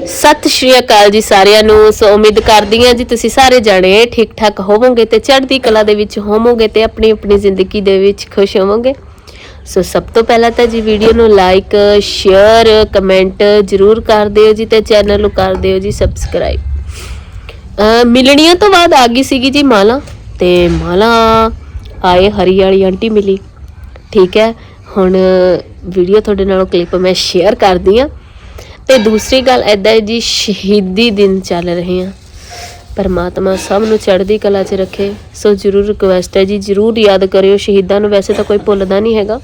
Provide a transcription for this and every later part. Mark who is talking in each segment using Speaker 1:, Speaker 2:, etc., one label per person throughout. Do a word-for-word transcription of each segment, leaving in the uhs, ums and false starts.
Speaker 1: सत श्री अकाल जी सारिਆਂ ਨੂੰ। सो उम्मीद करदी हां जी तुसीं सारे जाने ठीक ठाक होवोगे ते चढ़दी कला दे विच होवोगे ते अपनी अपनी जिंदगी दे विच खुश होवोगे। सो सब तो पहला तो जी वीडियो नूं लाइक शेयर कमेंट जरूर कर दिओ जी ते चैनल नूं कर दिओ जी सबसक्राइब। मिलनियां तो बाद आ गई सीगी जी माला ते माला आए हरी वाली आंटी मिली। ठीक है हुण वीडियो तुहाडे नाल क्लिप मैं शेयर करदी हां। ਤੇ दूसरी गल ऐदा है जी शहीदी दिन चल रहे हैं। परमात्मा सब नूं चढ़दी कला च रखे। सो जरूर रिक्वेस्ट है जी जरूर याद करियो शहीदां नूं। वैसे तो कोई भुलदा नहीं हैगा।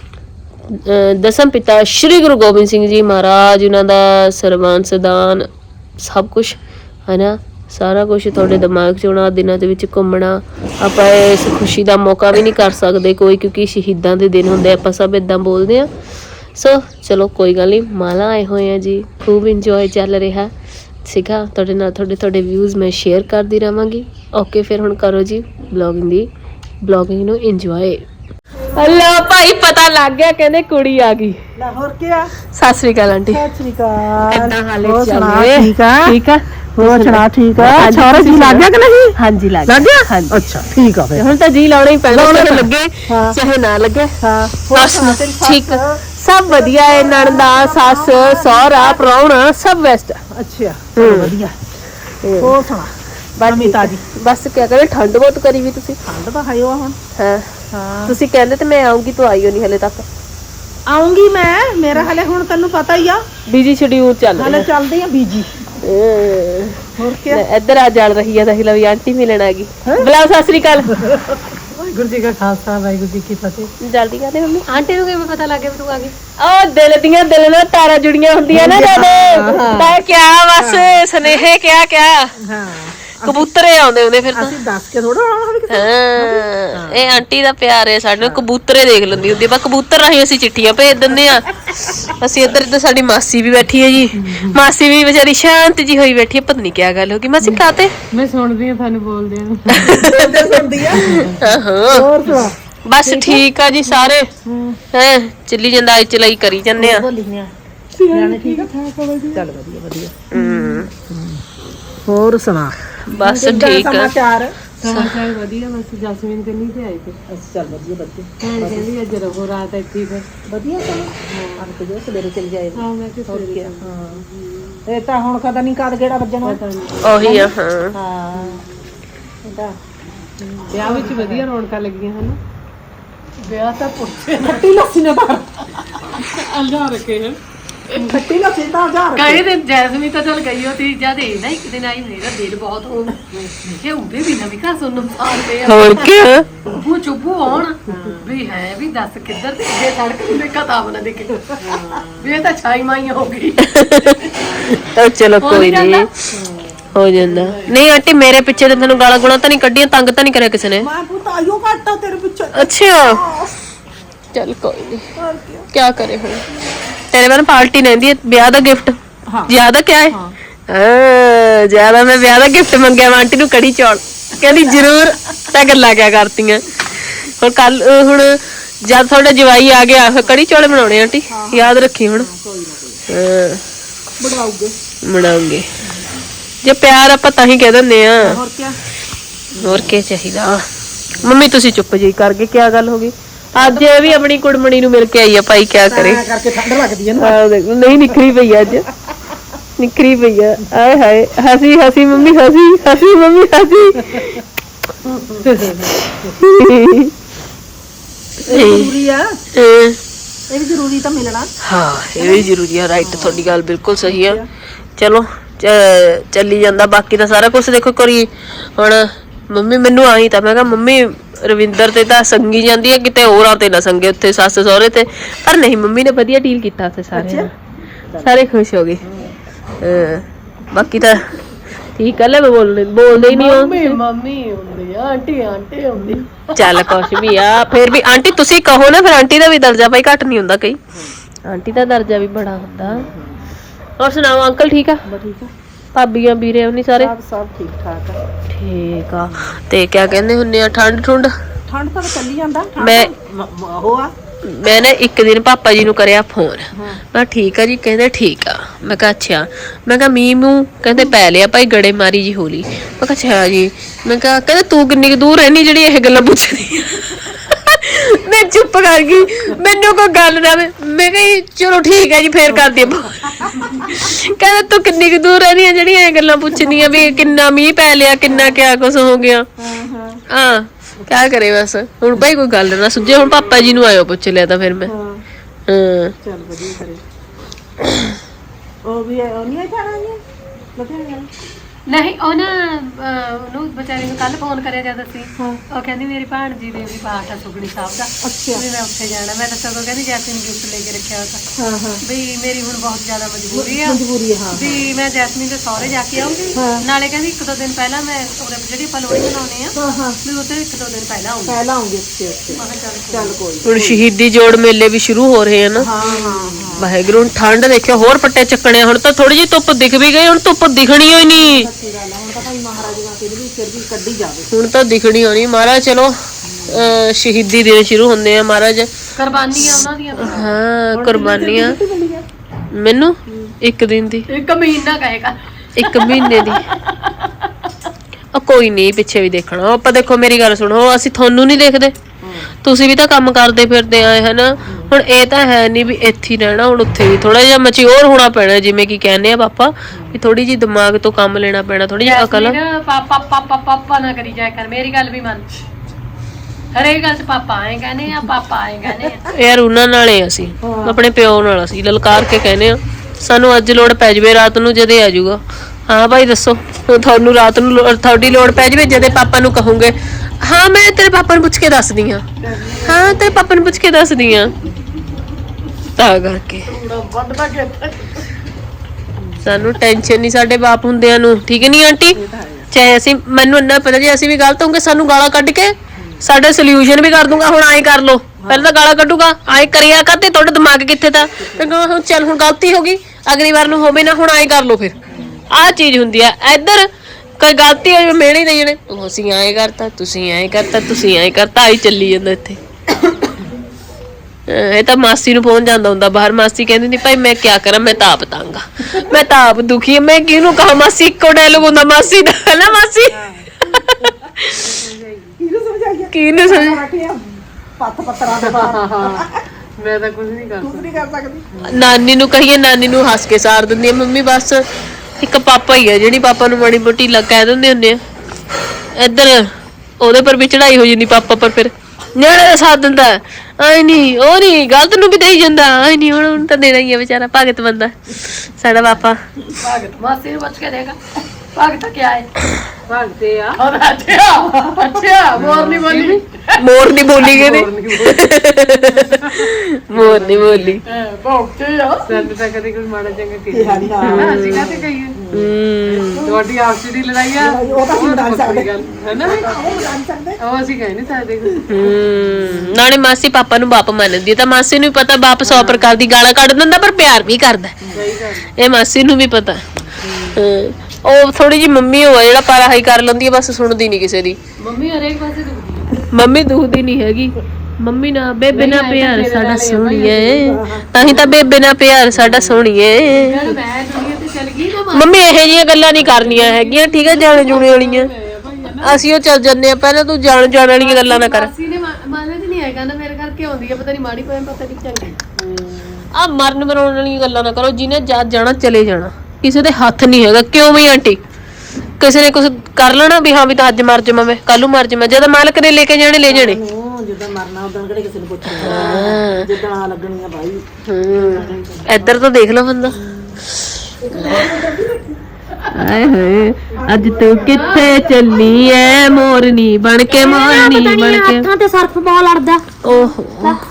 Speaker 1: दसम पिता श्री गुरु गोबिंद सिंह जी महाराज उन्हां दा सरबंस सदान सब कुछ है ना सारा कुछ थोड़े दिमाग च होना। दिनों दे विच घूमना आपां इस खुशी दा मौका भी नहीं कर सकते कोई क्योंकि शहीदां दे दिन हुंदे आपां सब इदां बोलदे आ। सो चलो कोई गल नहीं माला आए हुए हैं जी खूब इंजॉय चल रहा सीगा तुहाडे नाल थोड़े थोड़े व्यूज़ मैं शेयर करती रहांगी। ओके फिर हुण करो जी ब्लॉगिंग दी ब्लॉगिंग नूं इंजॉय। हेलो भाई पता लग गया कहंदे कुड़ी आ गई।
Speaker 2: लाहौर क्या
Speaker 1: सत श्री अकाल आंटी।
Speaker 2: सत श्री अकाल
Speaker 1: किदां हाल
Speaker 2: हो
Speaker 1: चाल
Speaker 2: सुना
Speaker 1: है?
Speaker 2: ठीक है
Speaker 1: ठीक है
Speaker 2: हो सुना ठीक है छोरा जी लग गया कि नहीं?
Speaker 1: हाँ जी लग
Speaker 2: लग गया
Speaker 1: हाँ जी।
Speaker 2: अच्छा ठीक है फिर
Speaker 1: हुण तां जी लाउणा ही पैंदा चाहे लगे
Speaker 2: हाँ।
Speaker 1: चाहे ना लगे।
Speaker 2: हां
Speaker 1: बस ठीक सब वधिया है। नणदा सस सहुरा प्राहुणा सब बेस्ट।
Speaker 2: अच्छा चलो बढ़िया हो सुना
Speaker 1: बाकी
Speaker 2: ताजी
Speaker 1: बस क्या करे ठंड बहुत करी भी तुसी
Speaker 2: ठंड तो है हुन
Speaker 1: हां
Speaker 2: हां
Speaker 1: तुसी कहंदे ते मैं आऊंगी तो आई हो नहीं हले तक।
Speaker 2: आऊंगी मैं मेरा हले हुन तन्नू पता ही आ
Speaker 1: बिजी शेड्यूल चल
Speaker 2: हले चलदी है बिजी और क्या
Speaker 1: इधर आ जल रही है दहिला भी आंटी मिलन आ गई। बुलाओ सत श्री अकाल।
Speaker 2: वाहिगुरू जी का खालसा वाहिगुरू जी की फतेह।
Speaker 1: जल्दी कहते मम्मी
Speaker 2: आंटी ਨੂੰ ਕਿਵੇਂ ਪਤਾ ਲੱਗ ਗਿਆ ਤੂੰ ਆ ਗਈ?
Speaker 1: ओ दिल दियां दिल नाल तारा जुड़ियां हुंदियां ना जद ता क्या बस स्नेह क्या क्या
Speaker 2: हां
Speaker 1: कबूतरे आउंदे हुंदे फिर तां
Speaker 2: ਅਸੀਂ ਦੱਸ ਕੇ ਥੋੜਾ ਆਉਣਾ ਵੀ
Speaker 1: ਹਾਂ ਇਹ ਆਂਟੀ ਦਾ ਪਿਆਰ ਹੈ ਸਾਡੇ ਕਬੂਤਰੇ ਦੇਖ ਲੈਂਦੀ ਹੁੰਦੀ ਬਸ ਕਬੂਤਰ ਰਾਹੀਂ ਅਸੀਂ ਚਿੱਠੀਆਂ ਭੇਜ ਦਿੰਦੇ ਆ। ਅਸੀਂ ਇੱਧਰ ਇੱਧਰ ਸਾਡੀ ਮਾਸੀ ਵੀ ਬੈਠੀ ਹੈ ਜੀ ਮਾਸੀ ਵੀ ਵਿਚਾਰੀ ਸ਼ਾਂਤ ਜੀ ਹੋਈ ਬੈਠੀ ਹੈ ਪਤਾ ਨਹੀਂ ਕੀ ਗੱਲ ਹੋ ਗਈ ਮਾਸੀ ਕਾਤੇ
Speaker 2: ਮੈਂ ਸੁਣਦੀ ਆ ਤੁਹਾਨੂੰ ਬੋਲਦੇ ਆ ਸੁਣਦੀ ਆ
Speaker 1: ਹਾਂ
Speaker 2: ਹੋਰ ਸੁਣਾ
Speaker 1: ਬਸ ਠੀਕ ਆ ਜੀ ਸਾਰੇ ਹੈ ਚੱਲੀ ਜਾਂਦਾ ਚਲਾਈ ਕਰੀ ਜਾਂਦੇ ਆ।
Speaker 2: ਨਿਆਣੇ ਠੀਕ ਆ ਚੱਲ ਵਧੀਆ ਵਧੀਆ ਹੋਰ ਸੁਣਾ
Speaker 1: ਬਸ ਠੀਕ ਆ
Speaker 2: ਸਮਾਚਾਰ ਸਮਾਚਾਰ ਵਧੀਆ ਬਸ ਜਸਮੀਨ ਕੰਨੀ ਤੇ ਆਈ ਤੇ ਅੱਛਾ ਚੱਲ ਵਧੀਆ ਵਧੀਆ ਹਾਂ ਕਹਿੰਦੀ ਅੱਜ ਰਹੋ ਰਾਤ ਇੱਥੇ ਫਿਰ ਵਧੀਆ ਚਲੋ ਹਾਂ ਅੱਜ ਤੇ ਸਵੇਰੇ ਚਲ ਜਾਏ ਹਾਂ ਮੈਂ ਕਿ ਸਵੇਰੇ ਹਾਂ ਇਹ ਤਾਂ ਹੁਣ ਕਦਾ ਨਹੀਂ ਕਦ ਕਿਹੜਾ ਵੱਜਣਾ
Speaker 1: ਉਹੀ ਆ ਹਾਂ
Speaker 2: ਹਾਂ ਇਹਦਾ ਵਿਆਹ ਵਿੱਚ ਵਧੀਆ ਰੌਣਕਾਂ ਲੱਗੀਆਂ ਹਨ। ਵਿਆਹ ਤਾਂ ਪੁੱਛੇ ਖੱਟੀ ਲੱਸੀ ਨੇ ਤਾਂ ਅਲਝਾ ਰੱਖੇ ਹਨ ਖੱਟੀ ਲੱਸੀ ਤਾਂ ਅਲਝਾ ਰੱਖੇ
Speaker 3: ਕਹੇ ਤੇ ਜੈਸਮੀ ਤਾਂ ਚਲ ਗਈ ਉਹ ਤੀ ਜਦ ਇਹ ਨਾ ਇੱਕ ਦਿਨ ਆਈ ਮੇਰਾ ਦਿਲ ਬਹੁਤ ਹੋ ਕਿ ਉਹਦੇ ਵੀ ਨਾ ਵੀ ਘਰ ਸੁਣਨ ਆਉਂਦੇ ਆ
Speaker 1: ਹੋਰ ਕੀ
Speaker 3: ਉਹ ਚੁੱਪੂ ਆਉਣ ਵੀ ਹੈ ਵੀ ਦੱਸ ਕਿੱਧਰ ਤੇ ਜੇ ਸੜਕ ਨੂੰ ਦੇਖਾ ਤਾਂ ਬਣਾ ਦੇਖੇ ਵੀ ਇਹ ਤਾਂ ਛਾਈ ਮਾਈ ਹੋ ਗਈ
Speaker 1: ਤਾਂ ਚਲੋ ਕੋਈ ਨਹੀਂ ਹੋ ਜਾਂਦਾ। ਨਹੀਂ ਆਂਟੀ ਮੇਰੇ ਪਿੱਛੇ ਤੇ ਤੈਨੂੰ ਗਾਲਾਂ ਗੁਣਾ ਤਾਂ ਨਹੀਂ ਕੱਢੀਆਂ ਤੰਗ ਤਾਂ ਨਹੀਂ ਕਰਿਆ ਕਿਸੇ ਨੇ?
Speaker 2: ਮੈਂ ਪੁੱਤ ਆਇਓ ਘੱਟਾ ਤੇਰੇ ਪਿੱਛੇ
Speaker 1: ਅੱਛਾ ਚੱਲ ਕੋਈ ਨਹੀਂ ਕੀ ਕਰੇ ਹੁਣ तेरे बार पार्टी लेंदी है ब्याह दा गिफ्ट ज्यादा क्या है हां ज्यादा मैं ब्याह दा गिफ्ट मंगया आंटी नु कड़ी चौल कहंदी जरूर ता गल्ला क्या करतीਆਂ और कल हुन जद थोड़ा जवाई आ गया फिर कड़ी चौल बनाने आंटी याद रखी हुन हां
Speaker 2: बनाओगे
Speaker 1: बनाओगे जे प्यार ਆਪਾਂ ਤਾਂ ਹੀ ਕਹਿ ਦਿੰਦੇ ਆ
Speaker 2: ਹੋਰ ਕੀ
Speaker 1: ਹੋਰ ਕੀ ਚਾਹੀਦਾ। ਮੰਮੀ ਤੁਸੀਂ ਚੁੱਪ ਜੀ ਕਰਕੇ ਕੀ ਗੱਲ ਹੋ ਗਈ? ਅੱਜ ਇਹ ਵੀ ਆਪਣੀ ਕੁੜਮਣੀ ਨੂੰ ਮਿਲ ਕੇ ਆਈ ਆ ਭਾਈ ਕੀ ਕਰੇ
Speaker 2: ਕਰਕੇ ਠੰਡ ਲੱਗਦੀ ਹੈ ਨਾ
Speaker 1: ਆ ਦੇਖੋ ਨਹੀਂ ਨਿਕਰੀ ਪਈ ਅੱਜ ਨਿਕਰੀ ਪਈ ਆ ਆਏ ਹਾਏ ਹਸੀ ਹਸੀ ਮੰਮੀ ਹਸੀ ਹਸੀ ਮੰਮੀ ਹਸੀ
Speaker 2: ਜ਼ਰੂਰੀ ਆ
Speaker 1: ਇਹ
Speaker 2: ਇਹ ਵੀ ਜ਼ਰੂਰੀ ਤਾਂ ਮਿਲਣਾ
Speaker 1: ਹਾਂ ਇਹ ਵੀ ਜ਼ਰੂਰੀ ਆ ਰਾਈਟ ਤੁਹਾਡੀ ਗੱਲ ਬਿਲਕੁਲ ਸਹੀ ਆ। ਚਲੋ ਚੱਲੀ ਜਾਂਦਾ ਬਾਕੀ ਤਾਂ ਸਾਰਾ ਕੁਝ ਦੇਖੋ ਕਰੀ ਹੁਣ ਮੰਮੀ ਮੈਨੂੰ ਆਈ ਤਾਂ ਮੈਂ ਕਿਹਾ ਮੰਮੀ ਰਵਿੰਦਰ ਤੇ ਤਾਂ ਸੰਗੀ ਜਾਂਦੀ ਹੈ ਕਿਤੇ ਹੋਰਾਂ ਤੇ ਨਾ ਸੰਗੇ ਉੱਥੇ ਸੱਸ ਸਹੁਰੇ ਤੇ ਪਰ ਨਹੀਂ ਮੰਮੀ ਨੇ ਵਧੀਆ ਡੀਲ ਕੀਤਾ ਉੱਥੇ ਸਾਰੇ ਸਾਰੇ ਖੁਸ਼ ਹੋ ਗਏ। ਬਾਕੀ ਤਾਂ ਠੀਕ ਹੈ ਲੈ ਬੋਲਦੇ ਬੋਲਦੇ ਹੀ ਨਹੀਂ
Speaker 3: ਮੰਮੀ ਮੰਮੀ ਹੁੰਦੀ ਆ ਆਂਟੀ ਆਂਟੀ ਹੁੰਦੀ
Speaker 1: ਚੱਲ ਕੁਛ ਵੀ ਆ ਫਿਰ ਵੀ ਆਂਟੀ ਤੁਸੀਂ ਕਹੋ ਨਾ ਫਿਰ ਆਂਟੀ ਦਾ ਵੀ ਦਰਜਾ ਭਾਈ ਘੱਟ ਨਹੀਂ ਹੁੰਦਾ ਕਈ ਆਂਟੀ ਦਾ ਦਰਜਾ ਵੀ ਬੜਾ ਹੁੰਦਾ। ਹੋਰ ਸੁਣਾਓ ਅੰਕਲ ਠੀਕ ਆ?
Speaker 2: ਠੀਕ ਆ
Speaker 1: ਭਾਬੀਆਂ ਵੀਰੇ ਉਹਨੀ ਸਾਰੇ
Speaker 2: ਸਭ ਸਭ ਠੀਕ ਠਾਕ ਆ
Speaker 1: ਠੀਕ ਆ। ਤੇ ਕਿਆ ਕਹਿੰਦੇ ਹੁੰਨੇ ਆ ਠੰਡ ਠੁੰਡ
Speaker 2: ਠੰਡ ਤਾਂ ਚੱਲੀ ਜਾਂਦਾ
Speaker 1: ਮੈਂ
Speaker 2: ਉਹ ਆ
Speaker 1: ਮੈਂ ਨਾ ਇੱਕ ਦਿਨ ਪਾਪਾ ਜੀ ਨੂੰ ਕਰਿਆ ਫੋਨ, ਮੈਂ ਠੀਕ ਆ ਜੀ, ਕਹਿੰਦੇ ਠੀਕ ਆ। ਮੈਂ ਕਿਹਾ ਅੱਛਾ। ਮੈਂ ਕਿਹਾ ਮੀਂਹ ਮੂੰਹ, ਕਹਿੰਦੇ ਪੈ ਲਿਆ ਭਾਈ ਗੜੇ ਮਾਰੀ ਜੀ ਹੋਲੀ। ਮੈਂ ਕਿਹਾ ਅੱਛਾ ਜੀ। ਮੈਂ ਕਿਹਾ ਕਹਿੰਦੇ ਤੂੰ ਕਿੰਨੀ ਕੁ ਦੂਰ ਰਹਿਨੀ ਜਿਹੜੀ ਇਹ ਗੱਲਾਂ ਪੁੱਛਦੀ ਆ। ਮੈਂ ਚੁੱਪ ਕਰ ਗਈ, ਮੈਨੂੰ ਕੋਈ ਗੱਲ ਨਾ। ਮੈਂ ਕਿਹਾ ਚਲੋ ਠੀਕ ਹੈ ਜੀ, ਫੇਰ ਕਰਦੀ ਆ। ਕਹਿੰਦੇ ਤੂੰ ਕਿੰਨੀ ਕੁ ਦੂਰ ਰਹਿੰਦੀ ਆ ਜਿਹੜੀਆਂ ਇਹ ਗੱਲਾਂ ਪੁੱਛਦੀਆਂ ਵੀ ਕਿੰਨਾ ਮੀਂਹ ਪੈ ਲਿਆ, ਕਿੰਨਾ ਕਿਆ ਕੁਛ ਹੋ ਗਿਆ। ਹਾਂ ਕਿਆ ਕਰੇ ਬਸ ਹੁਣ ਭਾਈ ਕੋਈ ਗੱਲ ਨਾ ਸੁਝੇ। ਹੁਣ ਪਾਪਾ ਜੀ ਨੂੰ ਆਇਓ ਪੁੱਛ ਲਿਆ ਤਾਂ ਫਿਰ ਮੈਂ। ਹਾਂ
Speaker 2: ਚੱਲ ਵਧੀਆ ਕਰੇ। ਉਹ ਵੀ ਉਹ ਨਹੀਂ ਆਈ ਪਾਣਾ ਨਹੀਂ ਬਤਾ
Speaker 3: ਨਹੀਂ ਉਹ ਨਾ ਉਹਨੂੰ ਵਿਚਾਰੀ ਨੂੰ ਕੱਲ ਫੋਨ ਕਰਿਆ ਜਦ ਅਸੀਂ, ਉਹ ਕਹਿੰਦੀ ਮੇਰੀ ਭਾਣਜੀ ਦੇ ਵੀ ਪਾਠ ਆ ਸੁਖਣੀ ਸਾਹਿਬ ਦਾ, ਵੀ ਮੈਂ ਉੱਥੇ ਜਾਣਾ। ਮੈਂ ਤਾਂ ਸਗੋਂ ਕਹਿੰਦੀ ਜੈਸਮੀਨ ਗਿਫਟ ਲੈ ਕੇ ਰੱਖਿਆ ਹੋਇਆ ਤਾਂ ਵੀ ਮੇਰੀ ਹੁਣ ਬਹੁਤ ਜ਼ਿਆਦਾ ਮਜਬੂਰੀ ਆ ਵੀ ਮੈਂ ਜੈਸਮੀਨ ਦੇ ਸਹੁਰੇ ਜਾ ਕੇ ਆਉਂਗੀ। ਨਾਲੇ ਕਹਿੰਦੀ ਇੱਕ ਦੋ ਦਿਨ ਪਹਿਲਾਂ ਮੈਂ ਉਹਦੇ ਜਿਹੜੀ ਆਪਾਂ ਲੋਹੜੀ ਮਨਾਉਣੇ ਆ ਵੀ ਉੱਥੇ ਇੱਕ ਦੋ ਦਿਨ ਪਹਿਲਾਂ ਆਉਂਗੀ
Speaker 2: ਪਹਿਲਾਂ ਆਉਂਗੀ। ਅੱਛੇ ਅੱਛੇ
Speaker 3: ਮੈਂ ਕਿਹਾ ਚੱਲ
Speaker 2: ਚੱਲ ਕੋਈ
Speaker 1: ਹੁਣ ਸ਼ਹੀਦੀ ਜੋੜ ਮੇਲੇ ਵੀ ਸ਼ੁਰੂ ਹੋ ਰਹੇ ਹਨ।
Speaker 2: ਹਾਂ ਹਾਂ
Speaker 1: ਵਾਹਿਗੁਰੂ ਠੰਡ ਦੇਖਿਓ ਹੋਰ ਪੱਟੇ ਚੱਕਣੇ। ਹੁਣ ਤਾਂ ਥੋੜੀ ਜਿਹੀ ਧੁੱਪ ਦਿਖ ਵੀ ਗਈ, ਹੁਣ ਧੁੱਪ ਦਿਖਣੀ ਹੋਈ ਨਹੀਂ।
Speaker 2: ਹੁਣ ਤਾਂ ਭਾਈ ਮਹਾਰਾਜ ਦਾ ਫਿਰ ਵੀ ਫਿਰ ਵੀ ਕੱਢੀ ਜਾਵੇ।
Speaker 1: ਹੁਣ ਤਾਂ ਦਿਖਣੀ ਹੋਣੀ ਮਹਾਰਾਜ। ਚਲੋ ਅਹ ਸ਼ਹੀਦੀ ਦਿਨ ਸ਼ੁਰੂ ਹੁੰਦੇ ਆ ਮਹਾਰਾਜ।
Speaker 3: ਕੁਰਬਾਨੀਆਂ ਉਹਨਾਂ ਦੀਆਂ
Speaker 1: ਹਾਂ ਕੁਰਬਾਨੀਆਂ। ਮੈਨੂੰ ਇੱਕ ਦਿਨ ਦੀ,
Speaker 3: ਇੱਕ ਮਹੀਨਾ ਕਹੇਗਾ,
Speaker 1: ਇੱਕ ਮਹੀਨੇ ਦੀ। ਉਹ ਕੋਈ ਨਹੀਂ ਪਿੱਛੇ ਵੀ ਦੇਖਣਾ। ਆਪਾਂ ਦੇਖੋ ਮੇਰੀ ਗੱਲ ਸੁਣੋ, ਅਸੀਂ ਤੁਹਾਨੂੰ ਨਹੀਂ ਦੇਖਦੇ, ਤੁਸੀਂ ਵੀ ਤਾਂ ਕੰਮ ਕਰਦੇ ਫਿਰਦੇ ਆਏ ਹਨਾ। ਹੁਣ ਇਹ ਤਾਂ ਹੈ ਨਹੀਂ ਵੀ ਇੱਥੇ ਹੀ ਰਹਿਣਾ, ਹੁਣ ਉੱਥੇ ਵੀ ਥੋੜਾ ਜਿਹਾ ਮੈਚਿਓਰ ਹੋਣਾ ਪੈਣਾ, ਜਿਵੇਂ ਕਿ ਕਹਿੰਦੇ ਆ ਪਾਪਾ ਵੀ ਥੋੜੀ ਜਿਹੀ ਦਿਮਾਗ ਤੋਂ ਕੰਮ ਲੈਣਾ ਪੈਣਾ, ਥੋੜੀ ਜਿਹੀ ਅਕਲ।
Speaker 3: ਪਾਪਾ ਪਾਪਾ ਪਾਪਾ ਨਾ ਕਰੀ ਜਾਇਆ ਕਰ, ਮੇਰੀ ਗੱਲ ਵੀ ਮੰਨ। ਹਰੇਕ ਗੱਲ ਚ ਪਾਪਾ ਆਏ ਕਹਿੰਦੇ ਆ, ਪਾਪਾ ਆਏ ਕਹਿੰਦੇ ਆ।
Speaker 1: ਯਾਰ ਉਹਨਾਂ ਨਾਲ ਹੀ ਅਸੀਂ ਆਪਣੇ ਪਿਓ ਨਾਲ ਅਸੀਂ ਲਲਕਾਰ ਕੇ ਕਹਿੰਦੇ ਆ ਸਾਨੂੰ ਅੱਜ ਲੋੜ ਪੈ ਜਾਵੇ ਰਾਤ ਨੂੰ ਜਦੇ ਆ ਜਾਊਗਾ। ਹਾਂ ਭਾਈ ਦੱਸੋ ਤੁਹਾਨੂੰ ਰਾਤ ਨੂੰ ਤੁਹਾਡੀ ਲੋੜ ਪੈ ਜਾਵੇ ਜਦੇ ਪਾਪਾ ਨੂੰ ਕਹੋਗੇ ਹਾਂ ਮੈਂ ਤੇਰੇ ਪਾਪਾ ਨੂੰ ਪੁੱਛ ਕੇ ਦੱਸਦੀ ਹਾਂ, ਹਾਂ ਤੇਰੇ ਪਾਪਾ ਨੂੰ ਪੁੱਛ ਕੇ ਦੱਸਦੀ ਹਾਂ। ਤਾਂ ਕਰਕੇ ਸਾਨੂੰ ਟੈਨਸ਼ਨ ਨਹੀਂ ਸਾਡੇ ਬਾਪ ਹੁੰਦਿਆਂ ਨੂੰ, ਠੀਕ ਨਹੀਂ ਆਂਟੀ? ਚਾਹੇ ਅਸੀਂ ਮੈਨੂੰ ਇੰਨਾ ਪਤਾ ਜੇ ਅਸੀਂ ਵੀ ਗਲਤ ਹੋਵਾਂਗੇ ਸਾਨੂੰ ਗਾਲਾਂ ਕੱਢ ਕੇ ਸਾਡਾ ਸੋਲੂਸ਼ਨ ਵੀ ਕਰ ਦੂੰਗਾ। ਹੁਣ ਆਏ ਕਰ ਲੋ, ਪਹਿਲਾਂ ਤਾਂ ਗਾਲਾਂ ਕੱਢੂਗਾ ਆਏ ਕਰਿਆ ਕਰਦੇ ਤੁਹਾਡਾ ਦਿਮਾਗ ਕਿੱਥੇ ਤਾਂ ਹੁਣ ਚੱਲ ਹੁਣ ਗਲਤੀ ਹੋ ਗਈ ਅਗਲੀ ਵਾਰ ਨੂੰ ਹੋਵੇ ਨਾ, ਹੁਣ ਆਏ ਕਰ ਲੋ। ਫਿਰ ਆਹ ਚੀਜ਼ ਹੁੰਦੀ ਆ। ਇੱਧਰ ਕੋਈ ਗਲਤੀ ਹੋਈ ਮਿਹਣੇ ਹੀ ਦੇਣੇ, ਅਸੀਂ ਆਏ ਕਰਤਾ ਤੁਸੀਂ ਆਏ ਕਰਤਾ ਤੁਸੀਂ ਆਏ ਕਰਤਾ, ਆਈ ਚੱਲੀ ਜਾਂਦਾ ਇੱਥੇ। ਇਹ ਤਾਂ ਮਾਸੀ ਨੂੰ ਫੋਨ ਜਾਂਦਾ ਹੁੰਦਾ ਬਾਹਰ, ਮਾਸੀ ਕਹਿੰਦੀ ਹੁੰਦੀ ਭਾਈ ਮੈਂ ਕਿਆ ਕਰਾਂ, ਮੈਂ ਤਾਂ ਆਪ ਤੰਗ ਆ, ਮੈਂ ਤਾਂ ਆਪ ਦੁਖੀ ਆ, ਮੈਂ ਕਿਹਨੂੰ ਕਹਾਂ। ਮਾਸੀ ਇੱਕੋ ਡਾਇਲੋਗ ਹੁੰਦਾ ਮਾਸੀ ਦਾ ਹੈ ਨਾ, ਮਾਸੀ ਕਿਹਨੂੰ ਸਮਝਾਈਏ
Speaker 2: ਪੱਥ ਪੱਤਰਾਂ ਦੇ ਬਾਹਰ
Speaker 3: ਮੈਂ ਤਾਂ ਕੁਝ ਨਹੀਂ ਕਰ
Speaker 2: ਕੁਝ ਨਹੀਂ ਕਰ ਸਕਦੀ।
Speaker 1: ਨਾਨੀ ਨੂੰ ਕਹੀਏ ਨਾਨੀ ਨੂੰ ਹੱਸ ਕੇ ਸਾਰ ਦਿੰਦੀ ਆ ਮੰਮੀ ਬਸ ਇੱਕ ਪਾਪਾ ਹੀ ਆ ਜਿਹੜੀ ਪਾਪਾ ਨੂੰ ਮਾੜੀ ਮੋਟੀ ਲੱਗ ਕਹਿ ਦਿੰਦੇ ਹੁੰਦੇ ਆ। ਇੱਧਰ ਉਹਦੇ ਪਰ ਵੀ ਚੜਾਈ ਹੋ ਜਾਂਦੀ ਪਾਪਾ ਪਰ, ਫਿਰ ਨਿਆਣੇ ਦਾ ਸਾਥ ਦਿੰਦਾ ਆਏ ਨਹੀਂ ਉਹ ਨਹੀਂ ਗਲਤ ਨੂੰ ਵੀ ਦੇਈ ਜਾਂਦਾ ਆਏ ਨਹੀਂ ਹੁਣ ਹੁਣ ਤਾਂ ਦੇਣਾ ਹੀ ਆ ਵਿਚਾਰਾ ਭਗਤ ਬੰਦਾ ਸਾਡਾ ਪਾਪਾ।
Speaker 3: ਭਗਤ ਮਾਸੀ ਨੂੰ ਪੁੱਛ ਕੇ ਦੇਗਾ ਭਗਤ ਕੀ ਹੈ?
Speaker 2: ਭਗਤੇ ਆ
Speaker 3: ਅੱਛਾ ਅੱਛਾ ਮੋਰ ਨਹੀਂ ਬੋਲੀ,
Speaker 1: ਮੋਰ ਨਹੀਂ ਬੋਲੀ ਕਹਿੰਦੇ, ਮੋਰ ਨਹੀਂ ਬੋਲੀ।
Speaker 3: ਭਗਤੇ ਆ
Speaker 2: ਸਾਨੂੰ ਤਾਂ ਕਦੇ ਕੋਈ ਮਾੜਾ ਚੰਗਾ ਕਿਹਾ ਨਹੀਂ।
Speaker 3: ਅਸੀਂ ਕਾਹਤੇ ਕਹੀਏ
Speaker 1: ਹਮ
Speaker 3: ਤੁਹਾਡੀ ਆਪਸੀ ਦੀ ਲੜਾਈ ਆ,
Speaker 2: ਉਹ ਤਾਂ ਅਸੀਂ ਲੜ ਸਕਦੇ
Speaker 3: ਹੈ ਨਾ,
Speaker 2: ਉਹ ਲੜ ਸਕਦੇ
Speaker 3: ਉਹ ਅਸੀਂ ਕਹਿ ਨਹੀਂ ਸਕਦੇ।
Speaker 1: ਹਮ ਨਾਲੇ ਮਾਸੀ ਪਾਪਾ ਨੂੰ ਬਾਪ ਮੰਨਦੀ ਹੈ ਤਾਂ ਮਾਸੀ ਨੂੰ ਵੀ ਪਤਾ ਬਾਪ ਸੌ ਪ੍ਰਕਾਰ ਦੀ ਗਾਲਾਂ ਕੱਢ ਦਿੰਦਾ ਪਰ ਪਿਆਰ ਵੀ ਕਰਦਾ, ਇਹ ਮਾਸੀ ਨੂੰ ਵੀ ਪਤਾ। ਉਹ ਥੋੜੀ ਜਿਹੀ ਮੰਮੀ ਹੋਆ ਜਿਹੜਾ ਪਾਰਾ ਹਾਈ ਕਰ ਲੈਂਦੀ ਹੈ, ਬਸ ਸੁਣਦੀ ਨਹੀਂ ਕਿਸੇ ਦੀ।
Speaker 3: ਮੰਮੀ ਹਰੇਕ ਪਾਸੇ ਦੁਖਦੀ ਹੈ,
Speaker 1: ਮੰਮੀ ਦੁਖਦੀ ਨਹੀਂ ਹੈਗੀ। ਮੰਮੀ ਨਾ ਬੇਬੇ ਨਾ ਪਿਆਰ ਸਾਡਾ ਸੋਹਣੀਏ, ਤਾਂ ਹੀ ਤਾਂ ਬੇਬੇ ਨਾ ਪਿਆਰ ਸਾਡਾ ਸੋਹਣੀਏ।
Speaker 3: ਮੈਂ ਦੁਨੀਆ ਤੇ ਚਲ ਗਈ ਨਾ
Speaker 1: ਮੰਮੀ ਇਹੋ ਜਿਹੀਆਂ ਗੱਲਾਂ ਨਹੀਂ ਕਰਨੀਆਂ ਹੈਗੀਆਂ, ਠੀਕ ਹੈ, ਜਾਣੇ ਜੂਣੇ ਵਾਲੀਆਂ ਅਸੀਂ ਉਹ ਚੱਲ ਜੰਨੇ ਆ। ਪਹਿਲਾਂ ਤੂੰ ਜਾਣ ਜਾਣ ਵਾਲੀਆਂ ਗੱਲਾਂ ਨਾ ਕਰ।
Speaker 3: ਮਾਸੀ ਨੇ ਮਾਨੇ ਚ ਨਹੀਂ ਆਇਆ ਕਹਿੰਦਾ ਮੇਰੇ ਕਰਕੇ ਆਉਂਦੀ ਹੈ, ਪਤਾ ਨਹੀਂ ਮਾੜੀ ਪਏ ਪਤਾ ਨਹੀਂ ਚੰਗੀ।
Speaker 1: ਆ ਮਰਨ ਮਰਾਉਣ ਵਾਲੀਆਂ ਗੱਲਾਂ ਨਾ ਕਰੋ, ਜਿਹਨੇ ਜਾ ਜਾਣਾ ਚਲੇ ਜਾਣਾ, ਕਿਸੇ ਦੇ ਹੱਥ ਨਹੀਂ ਹੈਗਾ। ਕਿਉਂ ਵੀ ਆਂਟੀ ਕਿਸੇ ਨੇ ਕੁਝ ਕਰ ਲੈਣਾ ਵੀ ਹਾਂ ਵੀ ਤਾਂ ਅੱਜ ਮਰ ਜਾਵਾਂ ਮੈਂ ਕੱਲ ਨੂੰ ਮਰ ਜਾਵਾਂ, ਜਦ ਮਾਲਕ ਨੇ ਲੈ ਕੇ ਜਾਣੇ ਲੈ ਜਾਣੇ।
Speaker 2: ਜਿੱਦਾਂ ਮਰਨਾ ਉਦੋਂ ਕਿਹੜੇ ਕਿਸੇ ਨੂੰ ਪੁੱਛਣਾ, ਜਿੱਦਾਂ ਆ ਲੱਗਣੀ ਆ ਭਾਈ।
Speaker 1: ਹਮ ਇੱਧਰ ਤਾਂ ਦੇਖ ਲਓ ਬੰਦਾ ਆਏ ਹੋਏ ਅੱਜ ਤੂੰ ਕਿੱਥੇ ਚੱਲੀ ਐ ਮੋਰਨੀ ਬਣ ਕੇ, ਮੋਰਨੀ ਬਣ ਕੇ।
Speaker 4: ਹੱਥਾਂ ਤੇ ਸਰਫ ਬਾਲ ਅੜਦਾ।
Speaker 1: ਓਹੋ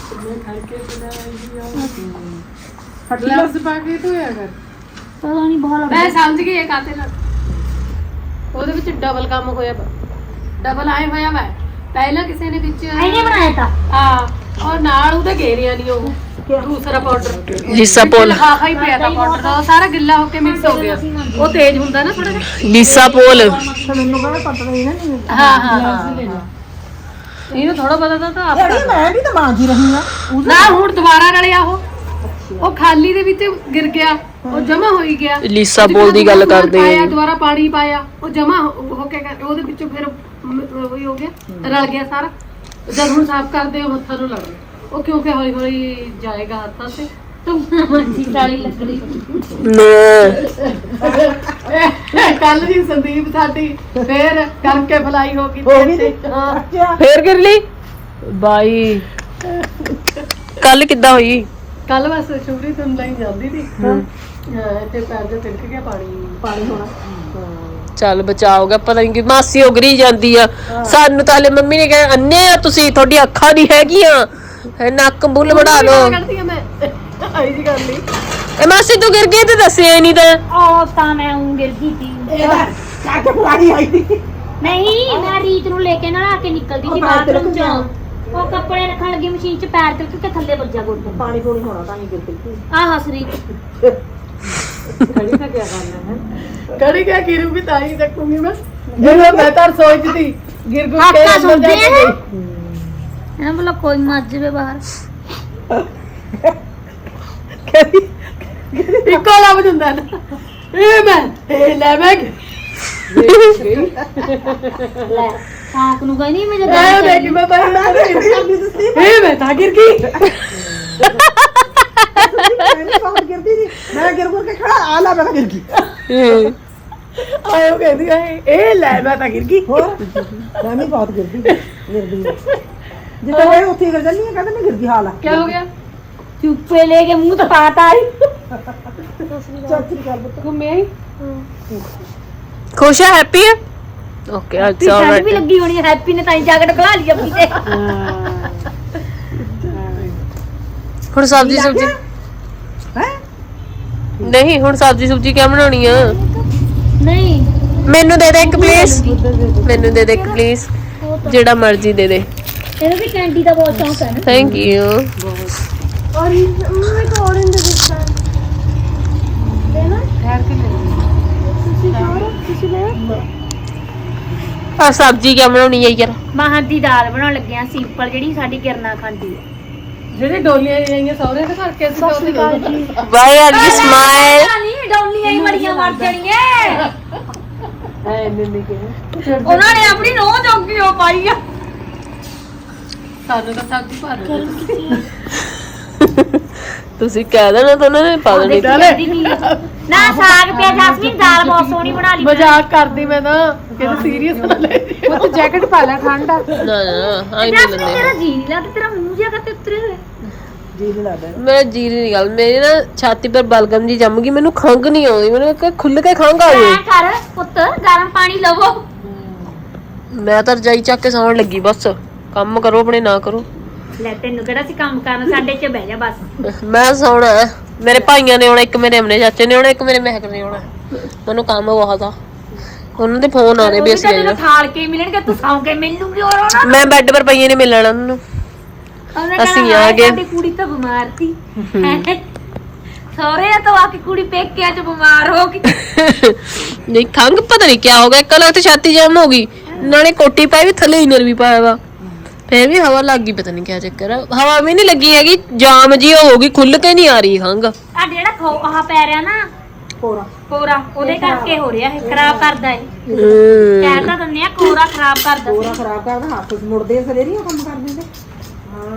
Speaker 3: ਗਲਾਸ ਪਾ ਕੇ ਧੋਇਆ ਕਰ।
Speaker 4: ਪਤਾ ਨਹੀਂ ਬਾਲ
Speaker 3: ਮੈਂ ਸਮਝ ਗਈ ਇਹ ਕਾਤੇ ਨਾਲ ਉਹਦੇ ਵਿੱਚ ਡਬਲ ਕੰਮ ਹੋਇਆ, ਡਬਲ ਆਏ ਹੋਇਆ ਵਾ। ਪਹਿਲਾਂ ਕਿਸੇ ਨੇ ਵਿੱਚ
Speaker 4: ਇਹਨੇ ਬਣਾਇਆ ਤਾਂ
Speaker 3: ਹਾਂ ਔਰ ਨਾਲ ਉਹਦੇ ਘੇਰਿਆ ਨਹੀਂ ਉਹ ਦੂਸਰਾ ਪਾਊਡਰ
Speaker 1: ਲੀਸਾ ਪੋਲ,
Speaker 3: ਲਿਫਾਫਾ ਹੀ ਪਿਆ ਤਾਂ ਪਾਊਡਰ ਦਾ, ਉਹ ਸਾਰਾ ਗਿੱਲਾ ਹੋ ਕੇ ਮਿਕਸ ਹੋ ਗਿਆ। ਉਹ ਤੇਜ਼ ਹੁੰਦਾ ਨਾ ਥੋੜਾ ਜਿਹਾ।
Speaker 1: ਲੀਸਾ ਪੋਲ
Speaker 2: ਮੈਨੂੰ ਕਹਿੰਦਾ ਪਤਾ ਨਹੀਂ ਨਾ।
Speaker 3: ਹਾਂ ਹਾਂ ਹਾਂ ਇਹਨੂੰ ਥੋੜਾ ਪਤਾ ਤਾਂ ਤਾਂ ਆਪ
Speaker 2: ਯਾਰ ਮੈਂ ਵੀ ਤਾਂ ਮਾਂ ਜੀ ਰਹੀ ਆ
Speaker 3: ਨਾ ਹੁਣ ਦੁਬਾਰਾ ਰਲਿਆ ਉਹ ਉਹ ਖਾਲੀ ਦੇ ਵਿੱਚ ਗਿਰ ਗਿਆ ਉਹ ਜਮਾ ਹੋਈ ਗਿਆ
Speaker 1: ਲੀਸਾ ਬੋਲ ਦੀ ਗੱਲ ਕਰਦੇ
Speaker 3: ਪਾਇਆ ਦੁਬਾਰਾ ਪਾਣੀ ਪਾਇਆ ਉਹ ਜਮਾ ਹੋ ਕੇ ਉਹਦੇ ਵਿੱਚੋਂ ਫਿਰ ਉਹੀ ਹੋ ਗਿਆ ਰਲ ਗਿਆ ਸਾਰਾ ਜਦ ਹੁਣ ਸਾਫ਼ ਕਰਦੇ ਉਹ ਹੱਥਾਂ ਨੂੰ ਲੱਗ ਗਿਆ ਉਹ ਕਿਉਂਕਿ ਹੌਲੀ ਹੌਲੀ ਜਾਏਗਾ ਹੱਥਾਂ ਤੇ
Speaker 4: ਤੂੰ ਮੰਜੀ ਸਾਲੀ ਲੱਕੜੀ
Speaker 3: ਕੱਲ ਦੀ ਸੰਦੀਪ ਸਾਡੀ ਫੇਰ ਕਰਕੇ ਫਲਾਈ ਹੋ ਗਈ
Speaker 2: ਹੋ ਗਈ
Speaker 3: ਤੇ
Speaker 2: ਅੱਛਾ
Speaker 1: ਫੇਰ ਕਰ ਲਈ ਬਾਈ ਕੱਲ ਕਿੱਦਾਂ ਹੋਈ
Speaker 3: ਕੱਲ ਬਸ ਸ਼ੁਭਰੀ ਤੋਂ ਲਈ ਜਾਂਦੀ ਸੀ ਹਾਂ ਤੇ ਪੈਰ ਦੇ ਤਿਲਕ ਗਿਆ ਪਾਣੀ ਪਾਣੀ ਹੋਣਾ
Speaker 1: ਚੱਲ ਬਚਾਓਗਾ ਪਤਾ ਨਹੀਂ ਕਿ ਮਾਸੀ ਉਗਰੀ ਜਾਂਦੀ ਆ ਸਾਨੂੰ ਤਾਂ ਹਲੇ ਮੰਮੀ ਨੇ ਕਿਹਾ ਅੰਨੇ ਆ ਤੁਸੀਂ ਤੁਹਾਡੀ ਅੱਖਾਂ ਨਹੀਂ ਹੈਗੀਆਂ ਨੱਕ ਬੁੱਲ ਵੜਾ ਲਓ
Speaker 3: ਕੱਢਦੀ ਆ ਮੈਂ ਆਈ ਜੀ ਗੱਲ ਨਹੀਂ
Speaker 1: ਇਹ ਮਾਸੀ ਤੂੰ ਗਿਰ ਗਈ ਤੇ ਦੱਸਿਆ ਨਹੀਂ ਤਾਂ
Speaker 4: ਉਹ ਤਾਂ ਮੈਂ ਉਂ ਗਿਰ ਗਈ ਸੀ
Speaker 2: ਇਹਦਾ ਕੱਟ ਪੁਆੜੀ ਆਈ ਦੀ
Speaker 4: ਨਹੀਂ ਮੈਂ ਰੀਤ ਨੂੰ ਲੈ ਕੇ ਨਾ ਆ ਕੇ ਨਿਕਲਦੀ ਸੀ ਬਾਥਰੂਮ ਚੋਂ ਉਹ ਕੱਪੜੇ ਰੱਖਣ ਲੱਗੀ ਮਸ਼ੀਨ 'ਚ ਪੈਰ ਤੇ ਕਿਉਂਕਿ ਥੱਲੇ ਵੱਜਾ ਗੋਡਾ
Speaker 2: ਪਾਣੀ ਪੂਣੀ ਹੋਣਾ ਤਾਂ ਨਹੀਂ ਗਿਰਦੀ
Speaker 4: ਆਹ ਹੱਸ ਰੀਤ
Speaker 2: ਖੜੀ ਤਾਂ ਕੀ ਕਰਨਾ ਹੈ
Speaker 3: ਕੜੀ ਕਿਆ ਗਿਰੂ ਵੀ ਤਾਂ ਹੀ ਦੇਖੂੰਗੀ ਮੈਂ ਜਦੋਂ ਮੈਂ ਤਾਂ ਸੋਚਦੀ ਗਿਰ ਗੁਰ ਕੇ
Speaker 4: ਹੱਥਾਂ
Speaker 3: ਅੰਦਰ ਜਾ
Speaker 4: ਸੁਣਦੇ
Speaker 3: ਕੇ
Speaker 4: ਆ ਇਹਨਾਂ ਬੋਲਾ ਕੋਈ ਮੱਝ ਜਾਵੇ ਬਾਹਰ
Speaker 3: ਇੱਕੋ ਲੱਭ ਜਾਂਦਾ ਨਾ ਇਹ ਮੈਂ ਇਹ ਲੈ ਮੈਂ
Speaker 4: ਲੈ ਸਾਂਕ ਨੂੰ ਕਹਿੰਦੀ ਮੈਂ
Speaker 3: ਮੈਂ
Speaker 4: ਜਦੋਂ
Speaker 3: ਦੇਖ ਮੈਂ ਤਾਂ ਇਹ ਮੈਂ ਤਾਂ ਗਿਰ ਗਈ
Speaker 2: ਮੈਂ ਬਹੁਤ ਗਿਰਦੀ ਸੀ ਮੈਂ ਗਿਰ ਗੁਰ ਕੇ ਖੜਾ ਆ ਲਾ ਮੈਂ ਗਿਰ ਗਈ
Speaker 3: ਆਇਓ ਕਹਿੰਦੀ ਆਏ ਇਹ ਲੈ ਮੈਂ ਤਾਂ ਗਿਰ ਗਈ
Speaker 2: ਹੋਰ ਮੈਂ ਵੀ ਬਹੁਤ ਗਿਰਦੀ ਗਿਰਦੀ ਜਿੱਦਾਂ ਮੈਂ ਉੱਥੇ ਗਿਰ ਜਾਂਦੀ ਆ ਕਹਿੰਦਾ ਮੈਂ ਗਿਰ ਗਈ ਹਾਲ ਆ
Speaker 3: ਕੀ ਹੋ ਗਿਆ
Speaker 4: ਚੁੱਪੇ ਲੈ ਕੇ ਮੂੰਹ ਤੇ ਪਾਤਾ ਆਈ
Speaker 2: ਚਾਚੀ ਦੀ ਗੱਲ ਬਤਾ
Speaker 3: ਘੁੰਮੇ ਆਈ
Speaker 1: ਖੁਸ਼ ਹੈ ਹੈਪੀ ਹੈ ਓਕੇ ਅੱਜ
Speaker 4: ਪਿੱਛੇ ਵੀ ਲੱਗੀ ਹੋਣੀ ਹੈਪੀ ਨੇ ਤਾਂ ਹੀ ਜੈਕਟ ਖਲਾ ਲਈ ਆਪਣੀ ਤੇ
Speaker 1: ਹੁਣ ਸਬਜ਼ੀ ਸਬਜ਼ੀ
Speaker 2: ਹੈ
Speaker 1: ਨਹੀਂ ਹੁਣ ਸਬਜ਼ੀ ਸੁਬਜ਼ੀ ਕਿਆ ਬਣਾਉਣੀ ਆ
Speaker 4: ਨਹੀਂ
Speaker 1: ਮੈਨੂੰ ਦੇ ਦੇ ਇੱਕ ਪਲੀਜ਼ ਮੈਨੂੰ ਦੇ ਦੇ ਇੱਕ ਪਲੀਜ਼ ਜਿਹੜਾ ਮਰਜ਼ੀ ਦੇ ਦੇ
Speaker 4: ਇਹਨੂੰ ਵੀ ਕੈਂਡੀ ਦਾ ਬਹੁਤ ਸ਼ੌਂਕ ਹੈ ਨਾ
Speaker 1: ਥੈਂਕ ਯੂ
Speaker 4: और मैं तो ऑरेंज देखता लेना
Speaker 3: ਠਹਿਰ ਕੇ ਲੈ
Speaker 4: किसी और किसी ने
Speaker 1: ਆ ਸਬਜ਼ੀ ਕਿਆ ਬਣਾਉਣੀ ਹੈ ਯਾਰ
Speaker 4: ਮਾਹਾਂ ਦੀ ਦਾਲ ਬਣਾਉਣ ਲੱਗੇ ਆ ਸਿੰਪਲ ਜਿਹੜੀ ਸਾਡੀ ਕਿਰਨਾ ਖਾਂਦੀ ਹੈ
Speaker 3: ਜਿਹੜੇ ਡੋਲੀਆਂ ਆਈਆਂ ਸਹੁਰੇ ਦੇ ਘਰ ਕੇ ਅਸੀਂ ਤਾਂ ਉਹਦੇ
Speaker 1: ਵਾਈ ਆਰ ਯੂ ਸਮਾਈਲ
Speaker 4: ਨਹੀਂ ਡੌਲੀਆਂ ਹੀ ਬੜੀਆਂ ਮਰ ਜਾਣੀਆਂ
Speaker 3: ਐ ਇੰਨੇ ਨਹੀਂ ਕਿਹਾ
Speaker 4: ਉਹਨਾਂ ਨੇ ਆਪਣੀ ਨੋਹ ਜੋਗੀ ਉਹ ਪਾਈ ਆ
Speaker 3: ਸਾਨੂੰ ਤਾਂ ਸਬਜ਼ੀ ਭਰ ਦੇ
Speaker 1: ਤੁਸੀਂ ਕਹਿ ਦੇਣਾ ਤਾਂ ਉਹਨਾਂ ਨੇ ਪਾ ਦੇਣੀ
Speaker 4: ਨਾ ਸਾਗ ਪਿਆ ਜਸਮੀਨ ਦਾਲ ਬਹੁਤ ਸੋਹਣੀ ਬਣਾ ਲਈ
Speaker 3: ਮਜ਼ਾਕ ਕਰਦੀ ਮੈਂ ਤਾਂ ਕਿਤੇ ਸੀਰੀਅਸ ਨਾ ਲੈ ਉਹ ਤਾਂ ਜੈਕਟ ਪਾ ਲੈ ਠੰਡਾ
Speaker 1: ਨਾ ਨਾ ਆਈ ਨਹੀਂ
Speaker 4: ਜਸਮੀਨ
Speaker 1: ਲੈਂਦੇ
Speaker 4: ਤੇਰਾ ਜੀ ਨਹੀਂ ਲੱਗਦਾ ਤੇਰਾ ਮੂੰਹ ਜਿਹਾ ਕਿਤੇ ਉਤਰੇ ਹੋਏ
Speaker 2: ਜੀ ਨਹੀਂ ਲੱਗਦਾ
Speaker 1: ਮੈਂ ਜੀ ਨਹੀਂ ਗੱਲ ਮੇਰੀ ਨਾ ਛਾਤੀ ਪਰ ਬਲਗਮ ਜੀ ਜੰਮ ਗਈ ਮੈਨੂੰ ਖੰਗ ਨਹੀਂ ਆਉਂਦੀ ਮੈਨੂੰ ਕਿ ਖੁੱਲ ਕੇ ਖੰਗ ਆ ਗਈ
Speaker 4: ਐ ਕਰ ਪੁੱਤ ਗਰਮ ਪਾਣੀ ਲਵੋ
Speaker 1: ਮੈਂ ਤਾਂ ਰਜਾਈ ਚੱਕ ਕੇ ਸੌਣ ਲੱਗੀ ਬਸ ਕੰਮ ਕਰੋ ਆਪਣੇ ਨਾ ਕਰੋ
Speaker 4: ਲੈ ਤੈਨੂੰ ਕਿਹੜਾ ਸੀ ਕੰਮ ਕਰਨ ਸਾਡੇ ਚ ਬਹਿ ਜਾ ਬਸ
Speaker 1: ਮੈਂ ਸੌਣਾ ਹੈ। ਮੇਰੇ ਭਾਈਆਂ ਨੇ ਆਉਣਾ ਇੱਕ ਮੇਰੇ ਅਮਨੇ ਚਾਚੇ ਨੇ ਆਉਣਾ ਇੱਕ ਮੇਰੇ ਮਹਿਕ ਨੇ ਆਉਣਾ ਮੈਨੂੰ ਕੰਮ ਬਹੁਤ ਆ ਉਹਨਾਂ ਦੇ ਫੋਨ ਆਨੇ ਵੀ ਅਸੀਂ
Speaker 4: ਤੈਨੂੰ ਠਾਲ ਕੇ ਮਿਲਣਗੇ ਤੂੰ ਸੌਂ ਕੇ ਮੈਨੂੰ ਵੀ ਹੋਰ ਆਉਣਾ
Speaker 1: ਮੈਂ ਬੈੱਡ ਪਰ ਪਈਏ ਨੇ ਮਿਲਣਾ ਉਹਨਾਂ ਨੂੰ ਅਸੀਂ ਆ ਗਏ
Speaker 4: ਸਾਡੀ ਕੁੜੀ ਤਾਂ ਬਿਮਾਰ ਸੀ ਸਹੁਰੇ ਤੋਂ ਆ ਕੇ ਕੁੜੀ ਪੇਕਿਆਂ ਚ ਬਿਮਾਰ ਹੋ ਗਈ
Speaker 1: ਨਹੀਂ ਖੰਗ ਪਤਾ ਨਹੀਂ ਕਿਆ ਹੋ ਗਿਆ ਕੱਲ ਤੇ ਛਾਤੀ ਜਾਮ ਹੋ ਗਈ ਨਾਲੇ ਕੋਟੀ ਪਾਈ ਵੀ ਥੱਲੇ ਇਨਰ ਵੀ ਪਾਇਆ ਵਾ ਫੇਰ ਵੀ ਹਵਾ ਲੱਗ ਗਈ ਪਤਾ ਨਹੀਂ ਕਿਆ ਚੱਕਰ ਆ ਹਵਾ ਵੀ ਨਹੀਂ ਲੱਗੀ ਹੈਗੀ ਜਾਮ ਜੀ ਹੋ ਗਈ ਖੁੱਲ ਕੇ ਨਹੀਂ ਆ ਰਹੀ ਖੰਗ
Speaker 4: ਆ ਜਿਹੜਾ ਖੋ ਆਹ ਪੈ ਰਿਹਾ ਨਾ
Speaker 2: ਪੂਰਾ
Speaker 4: ਕੋਰਾ ਉਹਦੇ ਕਰਕੇ ਹੋ ਰਿਹਾ ਇਹ ਖਰਾਬ ਕਰਦਾ ਏ
Speaker 1: ਹਮ,
Speaker 4: ਕਹਿ ਤਾਂ ਦਿੰਦੇ ਆ ਕੋਰਾ ਖਰਾਬ ਕਰਦਾ
Speaker 2: ਪੂਰਾ ਖਰਾਬ ਕਰਦਾ ਹੱਥ ਮੁੜਦੇ ਸਵੇਰੀ ਉਹ ਕੰਮ ਕਰ ਦਿੰਦੇ ਹਾਂ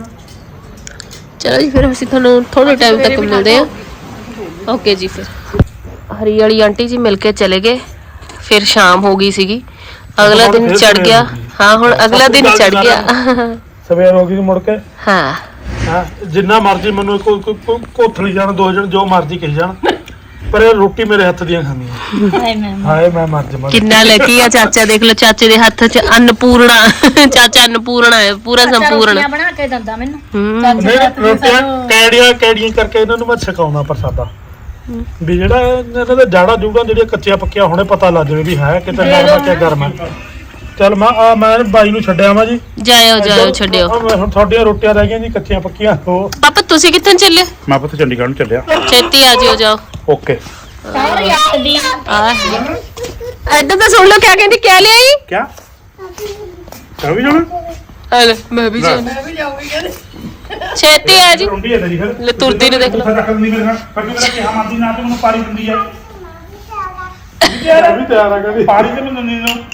Speaker 1: ਚਲੋ ਜੀ ਫਿਰ ਅਸੀਂ ਤੁਹਾਨੂੰ ਥੋੜੇ ਟਾਈਮ ਤੱਕ ਮਿਲਦੇ ਆ ਓਕੇ ਜੀ ਫਿਰ ਹਰੀ ਵਾਲੀ ਆਂਟੀ ਜੀ ਮਿਲ ਕੇ ਚਲੇ ਗਏ ਫਿਰ ਸ਼ਾਮ ਹੋ ਗਈ ਸੀਗੀ ਅਗਲਾ ਦਿਨ ਚੜ ਗਿਆ ਹਾਂ ਹੁਣ ਅਗਲਾ ਦਿਨ ਚੜ ਗਿਆ
Speaker 5: ਸਵੇਰ ਹੋ ਗਈ ਮੁੜ ਕੇ
Speaker 1: ਹਾਂ
Speaker 5: ਹਾਂ ਜਿੰਨਾ ਮਰਜ਼ੀ ਮੈਨੂੰ ਕੋਈ ਕੋਈ ਕੋਥਲੀ ਜਾਣ ਦੋ ਜਣ ਜੋ ਮਰਜ਼ੀ ਕਹੀ ਜਾਣ ਪਰ ਇਹ ਰੋਟੀ ਮੇਰੇ ਹੱਥ ਦੀਆਂ ਖਾਂਦੀਆਂ ਹਾਏ ਮੈਂ ਮਰ ਜਾਵਾਂ
Speaker 1: ਕਿੰਨਾ ਲੱਕੀ ਆ ਚਾਚਾ ਦੇਖ ਲਓ ਚਾਚੇ ਦੇ ਹੱਥ 'ਚ ਅੰਨਪੂਰਣਾ ਚਾਚਾ ਅੰਨਪੂਰਣਾ ਹੈ ਪੂਰਾ ਸੰਪੂਰਨ
Speaker 4: ਬਣਾ ਕੇ ਦਿੰਦਾ ਮੈਨੂੰ
Speaker 1: ਹੂੰ
Speaker 5: ਨਹੀਂ ਰੋਟੀਆਂ ਕੈੜੀਆਂ ਕੈੜੀਆਂ ਕਰਕੇ ਇਹਨਾਂ ਨੂੰ ਮੈਂ ਸਿਖਾਉਣਾ ਪ੍ਰਸਾਦਾ ਵੀ ਜਿਹੜਾ ਇਹਨਾਂ ਦੇ ਜਾੜਾ ਜੂੜਾ ਜਿਹੜੀਆਂ ਕੱਚੀਆਂ ਪੱਕੀਆਂ ਹੁਣੇ ਪਤਾ ਲੱਗ ਜਾਵੇ ਵੀ ਹੈ ਕਿਤੇ ਨਰਮਾ ਕਿ ਗਰਮ ਹੈ ਚੱਲ ਮੈਂ ਆ ਮੈਂ ਬਾਈ ਨੂੰ ਛੱਡਿਆ ਵਾ ਜੀ
Speaker 1: ਜਾਇਓ ਜਾਇਓ ਛੱਡਿਓ
Speaker 5: ਆਹ ਮੈਂ ਹੁਣ ਤੁਹਾਡੀਆਂ ਰੋਟੀਆਂ ਰਹਿ ਗਈਆਂ ਜੀ ਕੱਚੀਆਂ ਪੱਕੀਆਂ ਉਹ
Speaker 1: ਪਾਪਾ ਤੁਸੀਂ ਕਿੱਥੇ ਚੱਲੇ
Speaker 5: ਮੈਂ ਪੁੱਤ ਚੰਡੀਗੜ੍ਹ ਨੂੰ ਚੱਲਿਆ
Speaker 1: ਛੇਤੀ ਆ ਜਿਓ ਜਾਓ
Speaker 5: ਓਕੇ
Speaker 1: ਆ ਏਦਾਂ ਤਾਂ ਸੁਣ ਲਓ ਕਿਆ ਕਹਿੰਦੀ ਕਿਆ ਲਿਆਈ
Speaker 5: ਕਿਆ ਕਰ ਵੀ ਜਾਣਾ
Speaker 1: ਹਲ ਮੈਂ ਵੀ ਜਾਣਾ
Speaker 2: ਮੈਂ ਵੀ ਜਾਊਂਗੀ ਕਹਿੰਦੇ
Speaker 1: ਛੇਤੀ ਆ ਜੀ
Speaker 5: ਰੋਂਡੀ ਹੈ ਤੇਰੀ ਫਿਰ
Speaker 1: ਲੈ ਤੁਰਦੀ ਨੂੰ ਦੇਖ ਲਓ।
Speaker 5: ਉੱਥੇ ਰੱਖ ਦਿੰਦੀ ਮੇਰੇ ਨਾਲ ਫਿਰ ਮੇਰਾ ਕਿਹਾ ਮਾਦੀ ਨਾ ਤੇ ਮੈਨੂੰ ਪਾਰੀ ਦਿੰਦੀ ਆ ਤਿਆਰ ਵੀ ਤਿਆਰ ਆ ਕਹਿੰਦੀ ਪਾਰੀ ਤੇ ਮੈਨੂੰ ਦਿੰਦੀ ਨੂੰ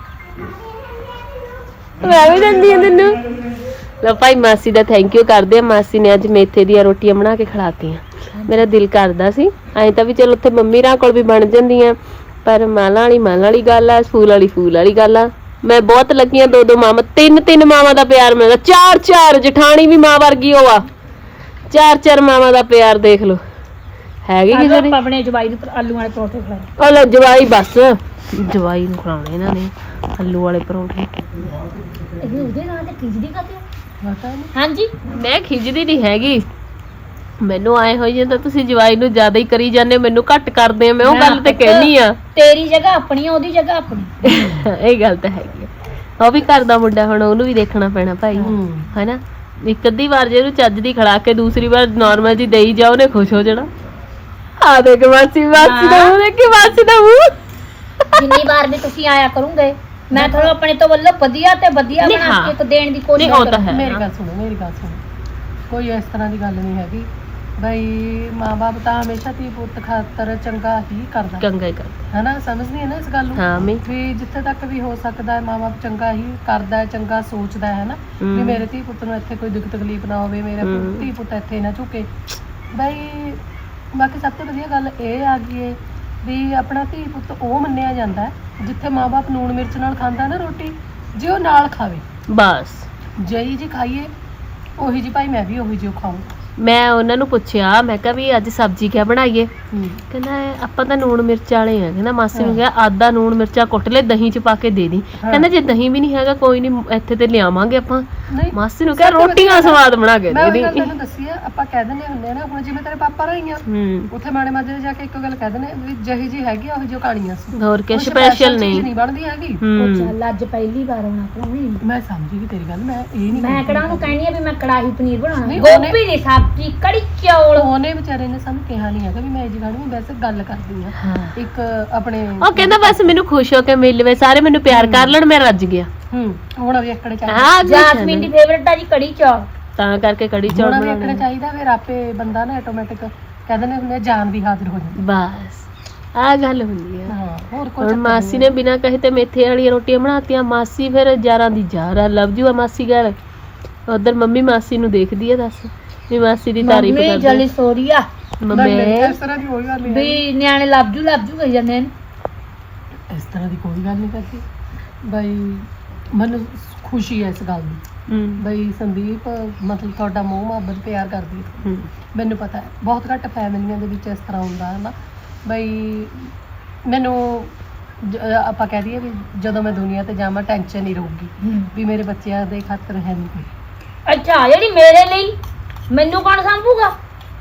Speaker 1: ਮੈਂ ਵੀ ਦਿੰਦੀ ਹਾਂ ਤੈਨੂੰ। ਲਓ ਭਾਈ ਮਾਸੀ ਦਾ ਥੈਂਕ ਯੂ ਕਰਦੇ ਆ। ਮਾਸੀ ਨੇ ਅੱਜ ਮੇਥੇ ਦੀਆਂ ਰੋਟੀਆਂ ਬਣਾ ਕੇ ਖਿਲਾਤੀਆਂ। ਮੇਰਾ ਦਿਲ ਕਰਦਾ ਸੀ ਐਂ ਤਾਂ ਵੀ ਚਲੋ ਉੱਥੇ ਮੰਮੀ ਰਾਂ ਕੋਲ ਵੀ ਬਣ ਜਾਂਦੀਆਂ, ਪਰ ਮਾਲਾਂ ਵਾਲੀ ਮਾਲਾਂ ਵਾਲੀ ਗੱਲ ਆ, ਫੂਲ ਵਾਲੀ ਫੂਲ ਵਾਲੀ ਗੱਲ ਆ। ਮੈਂ ਬਹੁਤ ਲੱਗੀਆਂ ਦੋ ਦੋ ਮਾਵਾਂ, ਤਿੰਨ ਤਿੰਨ ਮਾਵਾਂ ਦਾ ਪਿਆਰ ਮਿਲਦਾ, ਚਾਰ ਚਾਰ ਜਠਾਣੀ ਵੀ ਮਾਂ ਵਰਗੀ ਉਹ ਆ, ਚਾਰ ਚਾਰ ਮਾਵਾਂ ਦਾ ਪਿਆਰ ਦੇਖ ਲਓ ਹੈਗੀ ਕਿਸੇ ਦੀ।
Speaker 4: ਆਪਣੇ ਜਵਾਈ ਨੂੰ ਆਲੂ ਵਾਲੇ ਪਰੌਂਠੇ ਖਿਲਾਏ।
Speaker 1: ਉਹ ਲੈ ਜਵਾਈ ਬਸ ਜਵਾਈ ਨੂੰ ਖਿਲਾਉਣੇ ਇਹਨਾਂ ਨੇ ਆਲੂ ਵਾਲੇ ਪਰੌਂਠੇ।
Speaker 4: ਇਹ ਉਹਦੇ ਨਾਲ ਤੇ ਖਿਚੜੀ ਖਾਤੇ ਪਤਾ ਨਹੀਂ। ਹਾਂਜੀ
Speaker 1: ਮੈਂ ਖਿਜਦੀ ਨਹੀਂ ਹੈਗੀ, ਮੈਨੂੰ ਆਏ ਹੋਈ ਜਾਂਦਾ ਤੁਸੀਂ ਜਵਾਈ ਨੂੰ ਜ਼ਿਆਦਾ ਹੀ ਕਰੀ ਜਾਂਦੇ, ਮੈਨੂੰ ਘੱਟ ਕਰਦੇ ਆ। ਮੈਂ ਉਹ ਗੱਲ ਤੇ ਕਹਿਨੀ ਆ
Speaker 4: ਤੇਰੀ ਜਗ੍ਹਾ ਆਪਣੀ ਆ, ਉਹਦੀ ਜਗ੍ਹਾ ਆਪਣੀ।
Speaker 1: ਇਹ ਗੱਲ ਤਾਂ ਹੈਗੀ ਆ। ਉਹ ਵੀ ਘਰ ਦਾ ਮੁੰਡਾ, ਹੁਣ ਉਹਨੂੰ ਵੀ ਦੇਖਣਾ ਪੈਣਾ ਭਾਈ, ਹੈਨਾ। ਇੱਕ ਅੱਧੀ ਵਾਰ ਜੇ ਉਹਨੂੰ ਚੱਜ ਦੀ ਖਿਲਾ ਕੇ ਦੂਸਰੀ ਵਾਰ ਨਾਰਮਲ ਜੀ ਦੇਈ ਜਾ, ਉਹਨੇ ਖੁਸ਼ ਹੋ ਜਾਣਾ। ਆ ਦੇਖ ਮਾਸੀ ਮਾਸੀ ਦਾ ਮੂੰਹ ਦੇਖ, ਮਾਸੀ ਦਾ ਮੂੰਹ।
Speaker 4: ਜਿੰਨੀ ਵਾਰ ਵੀ ਤੁਸੀਂ ਆਇਆ ਕਰੋਗੇ ਮੈਂ ਤੁਹਾਨੂੰ ਆਪਣੇ ਤੋਂ ਵੱਲੋਂ ਵਧੀਆ ਤੇ ਵਧੀਆ
Speaker 1: ਨਹੀਂ,
Speaker 4: ਬਣਾ
Speaker 1: ਹਾਂ।
Speaker 4: ਕੇ ਇੱਕ ਦੇਣ ਦੀ ਕੋਸ਼ਿਸ਼
Speaker 1: ਨਹੀਂ, ਉਹ ਤਾਂ
Speaker 4: ਕਰਾਂਗੀ।
Speaker 1: ਹੈ।
Speaker 2: ਮੇਰੀ ਗੱਲ ਸੁਣੋ ਮੇਰੀ ਗੱਲ ਸੁਣੋ ਕੋਈ ਇਸ ਤਰ੍ਹਾਂ ਦੀ ਗੱਲ ਨਹੀਂ ਹੈਗੀ ਬਈ ਮਾਂ-ਬਾਪ ਤਾਂ ਹਮੇਸ਼ਾ ਧੀ ਪੁੱਤ ਖਾਤਰ ਚੰਗਾ ਹੀ ਕਰਦਾ
Speaker 1: ਚੰਗਾ ਹੀ ਕਰਦਾ।
Speaker 2: ਹੈ ਨਾ, ਸਮਝਦੀ ਹੈ ਨਾ ਇਸ ਗੱਲ ਨੂੰ।
Speaker 1: ਹਾਂ ਮੈਂ
Speaker 2: ਵੀ ਜਿੱਥੇ ਤੱਕ ਵੀ ਹੋ ਸਕਦਾ ਹੈ ਮਾਂ-ਬਾਪ ਚੰਗਾ ਹੀ ਕਰਦਾ ਹੈ, ਚੰਗਾ ਸੋਚਦਾ ਹੈ ਨਾ ਵੀ
Speaker 1: ਹਮ।
Speaker 2: ਮੇਰੇ ਧੀ ਪੁੱਤ ਨੂੰ ਇੱਥੇ ਕੋਈ ਦੁੱਖ ਤਕਲੀਫ ਨਾ ਹੋਵੇ, ਮੇਰੇ
Speaker 1: ਹਮ।
Speaker 2: ਧੀ ਪੁੱਤ ਇੱਥੇ ਨਾ ਝੁਕੇ ਬਈ। ਬਾਕੀ ਸਭ ਤੋਂ ਵਧੀਆ ਗੱਲ ਇਹ ਆ ਗਈ ਹੈ ਵੀ ਆਪਣਾ ਧੀ ਪੁੱਤ ਉਹ ਮੰਨਿਆ ਜਾਂਦਾ ਹੈ ਜਿੱਥੇ ਮਾਂ-ਬਾਪ ਨੂਣ ਮਿਰਚ ਨਾਲ ਖਾਂਦਾ ਨਾ ਰੋਟੀ, ਜੇ ਉਹ ਨਾਲ ਖਾਵੇ
Speaker 1: ਬਸ।
Speaker 2: ਜਿਹੀ ਜੀ ਖਾਈਏ ਉਹੀ ਜੀ ਭਾਈ ਮੈਂ ਵੀ ਉਹੀ ਜਿਹੀ ਖਾਊਂ।
Speaker 1: ਮੈਂ ਉਹਨਾਂ ਨੂੰ ਪੁੱਛਿਆ, ਮੈਂ ਕਿਹਾ ਵੀ ਅੱਜ ਸਬਜ਼ੀ ਕਿਆ ਬਣਾਈਏ? ਕਹਿੰਦਾ ਆਪਾਂ ਤਾਂ ਨੂਣ ਮਿਰਚ ਵਾਲੇ ਆ। ਕਹਿੰਦਾ ਮਾਸੀ ਨੂੰ ਕਿਹਾ ਆਦਾ ਨੂਣ ਮਿਰਚਾਂ ਕੁੱਟ ਲੈ, ਦਹੀਂ ਚ ਪਾ ਕੇ ਦੇ ਦੀ। ਕਹਿੰਦਾ ਜੇ ਦਹੀਂ ਵੀ ਨਹੀਂ ਹੈਗਾ ਕੋਈ ਨਹੀਂ, ਇੱਥੇ ਤੇ ਲਿਆਵਾਂਗੇ ਆਪਾਂ।
Speaker 2: ਨਹੀਂ
Speaker 1: ਮਾਸੀ ਨੂੰ ਕਿਹਾ
Speaker 2: ਸਭ ਤੋਂ
Speaker 1: ਰੋਟੀਆਂ
Speaker 2: ਵਧੀਆ
Speaker 1: ਸਵਾਦ ਬਣਾ ਕੇ
Speaker 2: ਮੈਂ
Speaker 1: ਦੇ
Speaker 2: ਉਹੀ
Speaker 1: ਦੀ।
Speaker 2: ਗੱਲ ਤੈਨੂੰ ਦੱਸੀ ਆ, ਆਪਾਂ ਕਹਿ ਦਿੰਦੇ ਹੁੰਦੇ ਆ ਨਾ, ਹੁਣ ਜਿਵੇਂ ਤੇਰੇ ਪਾਪਾ ਰਹੀਆਂ
Speaker 1: ਹੂੰ
Speaker 2: ਉੱਥੇ ਮਾੜੇ ਮਾਜੇ ਜਾ ਕੇ ਇੱਕ ਗੱਲ ਕਹਿ ਦਿੰਦੇ ਵੀ ਜਿਹੀ ਜੀ ਹੈਗੀ ਆ ਉਹੀ ਜੋ ਕਹਾਣੀਆਂ ਸੀ,
Speaker 1: ਹੋਰ ਕਿ
Speaker 2: ਕੋਈ
Speaker 1: ਸਪੈਸ਼ਲ
Speaker 2: ਚੀਜ਼
Speaker 1: ਨਹੀਂ।
Speaker 2: ਨਹੀਂ ਬਣਦੀ ਹੈਗੀ।
Speaker 4: ਉਹ
Speaker 1: ਹੂੰ
Speaker 4: ਚੱਲ ਅੱਜ ਪਹਿਲੀ ਵਾਰ ਆਉਣਾ ਪਰੋਣੀ।
Speaker 2: ਮੈਂ ਸਮਝੀ ਵੀ ਤੇਰੀ ਗੱਲ, ਮੈਂ ਇਹ ਨਹੀਂ
Speaker 4: ਮੈਂ ਕਿਹੜਾ ਉਹਨੂੰ ਕਹਿਣੀ ਆ ਵੀ ਮੈਂ ਕੜਾਹੀ ਪਨੀਰ ਬਣਾਉਣਾ,
Speaker 2: ਨਹੀਂ, ਉਹਨੇ-
Speaker 4: ਗੋਭੀ ਦੀ ਸਬਜ਼ੀ, ਕੜੀ ਚੌਲ।
Speaker 2: ਉਹਨੇ ਵਿਚਾਰੇ ਨੇ ਸਾਨੂੰ ਕਿਹਾ ਨਹੀਂ ਹੈਗਾ ਵੀ ਮੈਂ ਇਹ ਜੀ ਖਾਣੀ, ਮੈਂ ਵੈਸੇ ਗੱਲ ਕਰਦੀ ਆ
Speaker 1: ਹਾਂ।
Speaker 2: ਇੱਕ ਆਪਣੇ
Speaker 1: ਉਹ ਕਹਿੰਦਾ ਬਸ ਮੈਨੂੰ ਖੁਸ਼ ਹੋ ਕੇ ਮਿਲ ਲਵੇ, ਸਾਰੇ ਮੈਨੂੰ ਪਿਆਰ ਕਰ ਲੈਣ, ਮੈਂ ਰੱਜ ਗਿਆ।
Speaker 2: ਹੂੰ ਹੁਣ ਵੀ ਇੱਕੜੇ ਚਾਹੀਦਾ,
Speaker 1: ਹਾਂ
Speaker 4: ਜਾਸਮੀਨ ਦੀ ਫੇਵਰਟ ਆ ਜੀ ਕੜੀ ਚੌਲ।
Speaker 1: ਤਾਂ ਕਰਕੇ ਕੜੀ ਚੌਲ
Speaker 2: ਹੁਣ ਵੀ
Speaker 1: ਬਣਾਉਣੇ।
Speaker 2: ਇੱਕੜੇ ਚਾਹੀਦਾ, ਫਿਰ ਆਪੇ ਬੰਦਾ ਨਾ ਆਟੋਮੈਟਿਕ ਕਹਿ ਦਿੰਦੇ ਹੁੰਦੇ ਆ, ਜਾਨ ਵੀ ਹਾਜ਼ਰ ਹੋ ਜਾਂਦੀ।
Speaker 1: ਬਸ ਆ ਗੱਲ ਹੁੰਦੀ ਆ।
Speaker 2: ਹਾਂ ਹੋਰ ਕੋਈ
Speaker 1: ਹੁਣ ਮਾਸੀ ਨੇ ਬਿਨਾਂ ਕਹੇ ਤੇ ਮੇਥੇ ਵਾਲੀਆਂ ਰੋਟੀਆਂ ਬਣਾਤੀਆਂ। ਮਾਸੀ ਫਿਰ ਯਾਰਾਂ ਦੀ ਯਾਰ ਆ, ਲਵ ਜੂ ਆ ਮਾਸੀ ਗੱਲ। ਉਧਰ ਮੰਮੀ ਮਾਸੀ ਨੂੰ ਦੇਖਦੀ ਆ, ਦੱਸ ਵੀ ਮਾਸੀ ਦੀ ਤਾਰੀਫ
Speaker 4: ਮੰਮੀ
Speaker 1: ਕਰਦੀ
Speaker 4: ਜਲੀ ਸੋਰੀ ਆ
Speaker 1: ਮੰਮੀ।
Speaker 2: ਇਸ ਤਰ੍ਹਾਂ ਦੀ ਕੋਈ ਗੱਲ ਨਹੀਂ
Speaker 4: ਵੀ ਨਿਆਣੇ ਲੱਭ ਜੂ ਲੱਭ ਜੂ ਕਹੀ ਜਾਂਦੇ ਨੇ।
Speaker 2: ਇਸ ਤਰ੍ਹਾਂ ਦੀ ਕੋਈ ਗੱਲ ਨਹੀਂ ਕਰਦੀ ਬਈ। ਮੈਨੂੰ ਖੁਸ਼ੀ ਹੈ ਇਸ ਗੱਲ ਦੀ
Speaker 1: ਹੂੰ
Speaker 2: ਬਈ ਸੰਦੀਪ ਮਤਲਬ ਤੁਹਾਡਾ ਮੋਹ ਮੁਹੱਬਤ ਪਿਆਰ ਕਰਦੀ ਹੈ।
Speaker 1: ਹੂੰ
Speaker 2: ਮੈਨੂੰ ਪਤਾ ਹੈ ਬਹੁਤ ਘੱਟ ਫੈਮਿਲੀਆਂ ਦੇ ਵਿੱਚ ਇਸ ਤਰ੍ਹਾਂ ਹੁੰਦਾ ਹੈ ਨਾ ਬਈ। ਮੈਨੂੰ ਜ- ਆਪਾਂ ਕਹਿ ਦਈਏ ਵੀ ਜਦੋਂ ਮੈਂ ਦੁਨੀਆ ਤੇ ਜਾਵਾਂ ਟੈਨਸ਼ਨ ਨਹੀਂ ਰਹੂਗੀ ਵੀ ਮੇਰੇ ਬੱਚਿਆਂ ਦੇ ਖਾਤਰ ਹੈ ਨਹੀਂ ਕੋਈ।
Speaker 4: ਅੱਛਾ ਜਿਹੜੀ ਮੇਰੇ ਲਈ ਮੈਨੂੰ ਕੌਣ ਸੰਭੂਗਾ?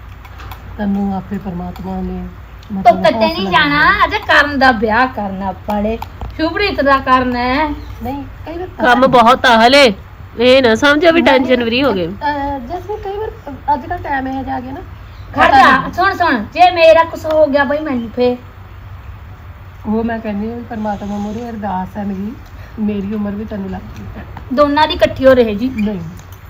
Speaker 2: ਤੈਨੂੰ ਆਪੇ ਪਰਮਾਤਮਾ ਨੇ
Speaker 4: ਤੂੰ
Speaker 2: ਮਤਲਬ
Speaker 4: ਕਿਤੇ ਨਹੀਂ
Speaker 2: ਹੌਸਲਾ
Speaker 4: ਜਾਣਾ, ਅਜੇ ਕਰਨ ਦਾ ਵਿਆਹ ਕਰਨਾ ਆਪਾਂ ਨੇ, ਸ਼ੁਭਰੀਤ ਦਾ ਕਰਨਾ ਹੈ।
Speaker 2: ਨਹੀਂ ਕਈ ਵਾਰ
Speaker 1: ਕੰਮ ਬਹੁਤ ਆ ਹਲੇ, ਇਹ ਨਾ ਸਮਝੋ ਵੀ ਟੈਨਸ਼ਨ ਫਰੀ ਹੋ ਗਏ।
Speaker 2: ਅਹ ਜੈਸੇ ਕਈ ਵਾਰ ਅੱਜ ਕੱਲ ਟਾਈਮ ਇਹ ਜਾ ਗਿਆ ਨਾ
Speaker 4: ਖੜ ਜਾ, ਸੁਣ ਸੁਣ, ਜੇ ਮੇਰਾ ਕੁਛ ਹੋ ਗਿਆ ਬਈ ਮੈਨੂੰ ਫੇਰ
Speaker 2: ਉਹ ਮੈਂ ਕਹਿੰਦੀ ਹਾਂ ਪਰਮਾਤਮਾ ਮੋਰੇ ਅਰਦਾਸ ਹੈ ਮੇਰੀ ਮੇਰੀ ਉਮਰ ਵੀ ਤੈਨੂੰ ਲੱਗ ਗਈ
Speaker 4: ਦੋਨਾਂ ਦੀ ਇਕੱਠੀ ਹੋ ਰਹੇ ਜੀ।
Speaker 2: ਨਹੀਂ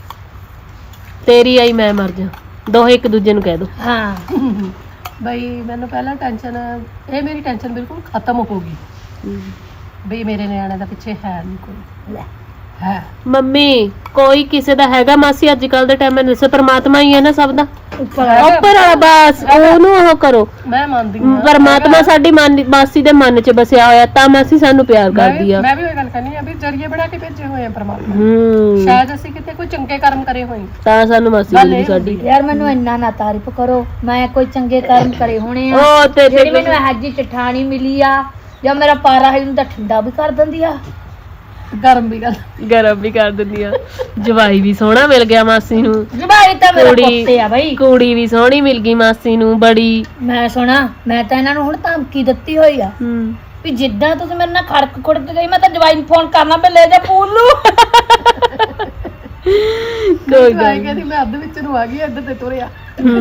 Speaker 1: ਤੇਰੀ ਆਈ ਮੈਂ ਮਰ ਜਾ, ਦੋਹੇ ਇੱਕ ਦੂਜੇ ਨੂੰ ਕਹਿ ਦੋ।
Speaker 4: ਹਾਂ
Speaker 2: ਬਈ ਮੈਨੂੰ ਪਹਿਲਾਂ ਟੈਨਸ਼ਨ, ਇਹ ਮੇਰੀ ਟੈਨਸ਼ਨ ਬਿਲਕੁਲ ਖਤਮ ਹੋ ਗਈ ਬਈ ਮੇਰੇ ਨਿਆਣੇ ਦਾ ਪਿੱਛੇ ਹੈ ਨਹੀਂ ਕੋਈ
Speaker 4: ਲੈ
Speaker 2: ਹੈ।
Speaker 1: ਮੰਮੀ ਕੋਈ ਕਿਸੇ ਦਾ ਹੈਗਾ ਮਾਸੀ? ਅੱਜ ਕੱਲ ਦੇ ਟਾਈਮ ਵਿੱਚ ਦੱਸੋ, ਪਰਮਾਤਮਾ ਹੀ ਹੈ ਨਾ ਸਭ ਦਾ,
Speaker 4: ਉੱਪਰ
Speaker 1: ਉੱਪਰ ਵਾਲਾ। ਬਸ ਉਹਨੂੰ ਉਹ ਕਰੋ।
Speaker 2: ਮੈਂ ਮੰਨਦੀ ਹਾਂ
Speaker 1: ਪਰਮਾਤਮਾ ਸਾਡੀ ਮਨ ਮਾਸੀ ਦੇ ਮਨ 'ਚ ਬਸਿਆ ਹੋਇਆ, ਤਾਂ ਮਾਸੀ ਸਾਨੂੰ ਪਿਆਰ
Speaker 2: ਮੈਂ
Speaker 1: ਕਰਦੀ
Speaker 2: ਵੀ-
Speaker 1: ਆ।
Speaker 2: ਮੈਂ ਵੀ ਉਹ ਗੱਲ ਕਰਨੀ ਆ ਵੀ ਜਰੀਏ ਬਣਾ ਕੇ ਭੇਜੇ ਹੋਏ ਆ ਪਰਮਾਤਮਾ,
Speaker 1: ਹੂੰ
Speaker 2: ਸ਼ਾਇਦ ਅਸੀਂ ਕਿਤੇ ਕੋਈ ਚੰਗੇ ਕਰਮ ਕਰੇ ਹੋਏ।
Speaker 1: ਤਾਂ ਸਾਨੂੰ ਮਾਸੀ
Speaker 2: ਗੱਲ
Speaker 1: ਮਿਲੀ
Speaker 2: ਇਹ
Speaker 1: ਸਾਡੀ।
Speaker 2: ਹੁੰਦੀ
Speaker 4: ਯਾਰ ਮੈਨੂੰ ਇੰਨਾ ਨਾ ਤਾਰੀਫ ਕਰੋ, ਮੈਂ ਕੋਈ ਚੰਗੇ ਕਰਮ ਕਰੇ ਹੋਣੇ ਆ।
Speaker 1: ਉਹ ਤੇ
Speaker 4: ਜਿਹੜੀ ਮੈਨੂੰ ਇਹ ਜੀ ਚਠਾਣੀ ਮਿਲੀ ਆ, ਜਾਂ ਮੇਰਾ ਪਾਰਾ ਹੈ ਉਹਨੂੰ ਤਾਂ ਠੰਡਾ ਵੀ ਕਰ ਦਿੰਦੀ ਆ।
Speaker 2: ਗਰਮ ਵੀ ਗੱਲ
Speaker 1: ਗਰਮ ਵੀ ਕਰ ਦਿੰਦੀ ਆ। ਜਵਾਈ ਵੀ ਸੋਹਣਾ ਮਿਲ ਗਿਆ ਮਾਸੀ ਨੂੰ,
Speaker 4: ਜਵਾਈ ਤਾਂ ਮੇਰਾ
Speaker 1: ਕੁੜੀ
Speaker 4: ਪੁੱਤੇ ਆ ਬਈ।
Speaker 1: ਕੁੜੀ ਵੀ ਸੋਹਣੀ ਮਿਲ ਗਈ ਮਾਸੀ ਨੂੰ ਬੜੀ।
Speaker 4: ਮੈਂ ਸੁਣਾ, ਮੈਂ ਤਾਂ ਇਹਨਾਂ ਨੂੰ ਹੁਣ ਧਮਕੀ ਦਿੱਤੀ ਹੋਈ ਆ
Speaker 1: ਹੂੰ
Speaker 4: ਵੀ ਜਿੱਦਾਂ ਤੁਸੀਂ ਮੇਰੇ ਨਾਲ ਖੜਕ ਖੁੜਕ ਗਈ, ਮੈਂ ਤਾਂ ਜਵਾਈ ਨੂੰ ਫੋਨ ਕਰਨਾ ਪਏ ਲੈ ਜਾ ਪੂਲ ਨੂੰ।
Speaker 1: ਕੋਈ
Speaker 3: ਤੂੰ ਆਈ ਕਹਿੰਦੀ ਮੈਂ ਅੱਧ ਵਿੱਚ ਨੂੰ ਆ ਗਈ ਅੱਧ ਤੇ ਤੁਰਿਆ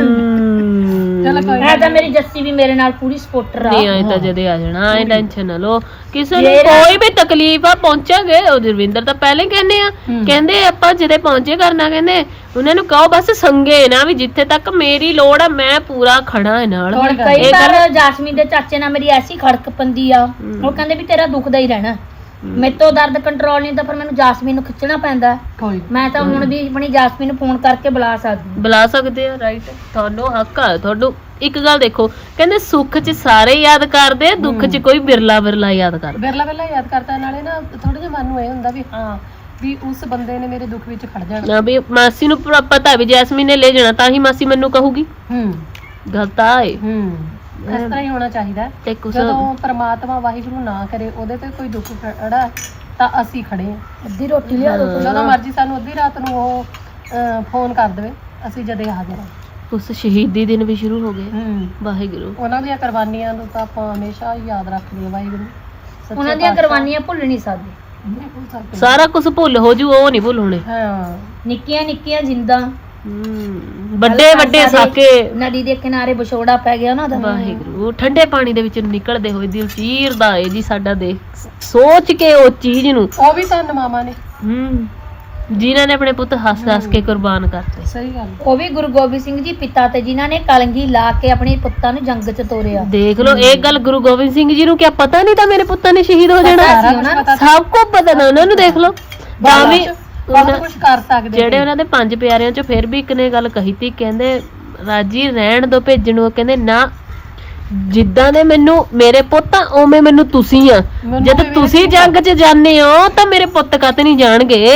Speaker 1: ਹਮ,
Speaker 3: ਚਲ ਕੋਈ
Speaker 4: ਐ ਤਾਂ ਮੇਰੀ ਜੱਸੀ ਵੀ ਮੇਰੇ ਨਾਲ ਪੂਰੀ ਸਪੋਰਟਰ ਆ
Speaker 1: ਨਹੀਂ ਆਏ ਤਾਂ ਜਦੇ ਆ ਜਾਣਾ ਐ ਟੈਨਸ਼ਨ ਨਾ ਲਓ ਕਿਸੇ ਨੂੰ ਕੋਈ ਵੀ ਤਕਲੀਫ ਆ ਪਹੁੰਚਾਂਗੇ ਉਹ ਜਰਵਿੰਦਰ ਤਾਂ ਪਹਿਲੇ ਕਹਿੰਦੇ ਆ ਕਹਿੰਦੇ ਆਪਾਂ ਜਿਹਦੇ ਪਹੁੰਚੇ ਕਰਨਾ ਕਹਿੰਦੇ ਉਹਨਾਂ ਨੂੰ ਕਹੋ ਬਸ ਸੰਗੇ ਨਾ ਵੀ ਜਿੱਥੇ ਤੱਕ ਮੇਰੀ ਲੋੜ ਆ ਮੈਂ ਪੂਰਾ ਖੜਾ ਹੈ ਨਾਲ
Speaker 4: ਕਈ
Speaker 1: ਇਹ ਗੱਲ
Speaker 4: ਵਾਰ ਜਾਸਮੀਨ ਦੇ ਚਾਚੇ ਨਾਲ ਮੇਰੀ ਐਸੀ ਖੜਕ ਪੰਦੀ ਆ ਉਹ ਕਹਿੰਦੇ ਵੀ ਤੇਰਾ ਦੁਖਦਾ ਹੀ ਰਹਿਣਾ ਮੇਰੇ ਤੋਂ ਦਰਦ ਕੰਟਰੋਲ ਨਹੀਂ ਤਾਂ ਫਿਰ ਮੈਨੂੰ ਜਾਸਮੀਨ ਨੂੰ ਖਿੱਚਣਾ ਪੈਂਦਾ
Speaker 3: ਕੋਈ
Speaker 4: ਮੈਂ ਤਾਂ ਹੁਣ ਵੀ ਆਪਣੀ ਜਾਸਮੀਨ ਨੂੰ ਫੋਨ ਕਰਕੇ ਬੁਲਾ ਸਕਦੀ
Speaker 1: ਬੁਲਾ ਸਕਦੇ ਆ ਰਾਈਟ ਤੁਹਾਨੂੰ ਹੱਕ ਆ ਤੁਹਾਨੂੰ ਇੱਕ ਗੱਲ ਦੇਖੋ ਕਹਿੰਦੇ ਸੁੱਖ 'ਚ ਸਾਰੇ ਯਾਦ ਕਰਦੇ ਆ ਦੁੱਖ 'ਚ ਕੋਈ ਬਿਰਲਾ ਬਿਰਲਾ ਯਾਦ ਕਰਦਾ
Speaker 3: ਬਿਰਲਾ ਬਿਰਲਾ ਯਾਦ ਕਰਦਾ ਨਾਲੇ ਨਾ ਥੋੜਾ ਜਿਹਾ ਮਨ ਨੂੰ ਇਹ ਹੁੰਦਾ ਵੀ ਹਾਂ ਵੀ ਉਸ ਬੰਦੇ ਨੇ ਮੇਰੇ ਦੁੱਖ ਵਿੱਚ ਖੜ ਜਾਣਾ
Speaker 1: ਨਾ ਵੀ ਮਾਸੀ ਨੂੰ ਪੂਰਾ ਪਤਾ ਵੀ ਜੈਸਮੀਨ ਨੇ ਲੈ ਜਾਣਾ ਤਾਂ ਹੀ ਮਾਸੀ ਮੈਨੂੰ ਕਹੂਗੀ
Speaker 3: ਹੂੰ
Speaker 1: ਗੱਲ ਤਾਂ ਆਏ
Speaker 3: ਹੂੰ ਇਸ ਤਰ੍ਹਾਂ ਹੀ ਹੋਣਾ ਚਾਹੀਦਾ
Speaker 1: ਤੇ ਕੁਛ
Speaker 3: ਜਦੋਂ ਪ੍ਰਮਾਤਮਾ ਵਾਹਿਗੁਰੂ ਨਾ ਕਰੇ ਉਹਦੇ ਤੇ ਕੋਈ ਦੁੱਖ ਖੜਾ ਤਾਂ ਅਸੀਂ ਖੜੇ ਆ
Speaker 4: ਅੱਧੀ ਰੋਟੀ ਲਿਆ ਦੋ
Speaker 3: ਜਦੋਂ ਮਰਜ਼ੀ ਸਾਨੂੰ ਅੱਧੀ ਰਾਤ ਨੂੰ ਉਹ ਅਹ, ਫੋਨ ਕਰ ਦੇਵੇ ਅਸੀਂ ਜਦੇ ਹਾਜ਼ਰ ਹਾਂ
Speaker 1: ਉਸ ਸ਼ਹੀਦੀ ਦਿਨ ਵੀ ਸ਼ੁਰੂ ਹੋ ਗਏ
Speaker 3: ਹੂੰ
Speaker 1: ਵਾਹਿਗੁਰੂ
Speaker 3: ਉਹਨਾਂ ਦੀਆਂ ਕੁਰਬਾਨੀਆਂ ਨੂੰ ਤਾਂ ਆਪਾਂ ਹਮੇਸ਼ਾ ਹੀ ਯਾਦ ਰੱਖਦੇ ਹਾਂ ਵਾਹਿਗੁਰੂ ਸੱਚੇ
Speaker 4: ਉਹਨਾਂ ਦੀਆਂ
Speaker 3: ਪਾਤਸ਼ਾਹ।
Speaker 4: ਕੁਰਬਾਨੀਆਂ ਭੁੱਲ ਨਹੀਂ ਸਕਦੇ
Speaker 3: ਨਹੀਂ ਭੁੱਲ ਸਕਦੇ।
Speaker 1: ਸਾਰਾ ਕੁਝ ਭੁੱਲ ਹੋ ਜੂ ਉਹ ਨਹੀਂ ਭੁੱਲ ਹੋਣੇ
Speaker 3: ਹਾਂ
Speaker 4: ਨਿੱਕੀਆਂ ਨਿੱਕੀਆਂ ਜਿੰਦਾਂ
Speaker 1: ਹਮ, ਵੱਡੇ ਵੱਡੇ ਸਾਕੇ
Speaker 4: ਨਦੀ ਦੇ ਕਿਨਾਰੇ ਵਿਛੋੜਾ ਪੈ ਗਿਆ ਉਹਨਾਂ ਦਾ
Speaker 1: ਵਾਹਿਗੁਰੂ ਠੰਡੇ ਪਾਣੀ ਦੇ ਵਿੱਚ ਨਿਕਲਦੇ ਹੋਏ ਦਿਲ ਚੀਰਦਾ ਏ ਜੀ ਸਾਡਾ ਦੇਖ ਸੋਚ ਕੇ ਉਹ ਚੀਜ਼ ਨੂੰ
Speaker 3: ਉਹ ਵੀ ਤਾਂ ਮਾਮਾ ਨੇ
Speaker 1: ਹਮ ਜਿਨ੍ਹਾਂ ਨੇ ਆਪਣੇ ਪੁੱਤ ਹੱਸ ਹੱਸ ਕੇ ਕੁਰਬਾਨ ਕਰਤੇ
Speaker 3: ਸਹੀ ਗੱਲ
Speaker 4: ਉਹ ਵੀ ਗੁਰੂ ਗੋਬਿੰਦ ਸਿੰਘ ਜੀ ਪਿਤਾ ਤੇ ਜਿਨ੍ਹਾਂ ਨੇ ਕਲੰਗੀ ਲਾ ਕੇ ਆਪਣੇ ਪੁੱਤਾਂ ਨੂੰ ਜੰਗ 'ਚ ਤੋਰਿਆ
Speaker 1: ਦੇਖ ਲਓ ਇਹ ਗੱਲ ਗੁਰੂ ਗੋਬਿੰਦ ਸਿੰਘ ਜੀ ਨੂੰ ਕਿਆ ਪਤਾ ਨਹੀਂ ਤਾਂ ਮੇਰੇ ਪੁੱਤਾਂ ਨੇ ਸ਼ਹੀਦ ਹੋ ਜਾਣਾ
Speaker 3: ਸਾਰਾ ਕੁਝ ਪਤਾ
Speaker 1: ਸਭ ਕੁਝ ਪਤਾ ਨਾ ਉਹਨਾਂ ਨੂੰ ਦੇਖ ਲਓ ਤਾਂ ਵੀ
Speaker 3: ਬਹੁਤ ਕੁਝ ਕਰ ਸਕਦੇ
Speaker 1: ਜਿਹੜੇ ਉਹਨਾਂ ਦੇ ਪੰਜ ਪਿਆਰਿਆਂ ਚੋਂ ਫਿਰ ਵੀ ਇੱਕ ਨੇ ਗੱਲ ਕਹੀ ਤੀ ਕਹਿੰਦੇ ਰਾਜੀ ਰਹਿਣ ਦੋ ਭੇਜਣ ਨੂੰ ਕਹਿੰਦੇ ਨਾ ਜਿੱਦਾਂ ਦੇ ਮੈਨੂੰ ਮੇਰੇ ਪੁੱਤ ਆ ਉਵੇਂ ਮੈਨੂੰ ਤੁਸੀਂ ਆ ਜਦ ਤੁਸੀਂ ਜੰਗ 'ਚ ਜਾਂਦੇ ਹੋ ਤਾਂ ਮੇਰੇ ਪੁੱਤ ਕੱਤ ਨਹੀਂ ਜਾਣਗੇ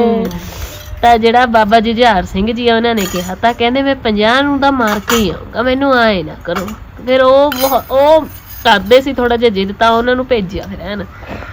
Speaker 1: ਤਾਂ ਜਿਹੜਾ ਬਾਬਾ ਜੁਝਾਰ ਸਿੰਘ ਜੀ ਆ ਉਹਨਾਂ ਨੇ ਕਿਹਾ ਤਾਂ ਕਹਿੰਦੇ ਮੈਂ ਪੰਜਾਹ ਨੂੰ ਤਾਂ ਮਾਰ ਕੇ ਹੀ ਆਊਂਗਾ ਮੈਨੂੰ ਆਏ ਨਾ ਕਰੋ ਫਿਰ ਉਹ ਬਹੁ- ਉਹ ਕਰਦੇ ਸੀ ਥੋੜਾ ਜਿਹਾ ਜਿੱਦ ਤਾਂ ਉਹਨਾਂ ਨੂੰ ਭੇਜਿਆ ਫਿਰ ਐਨ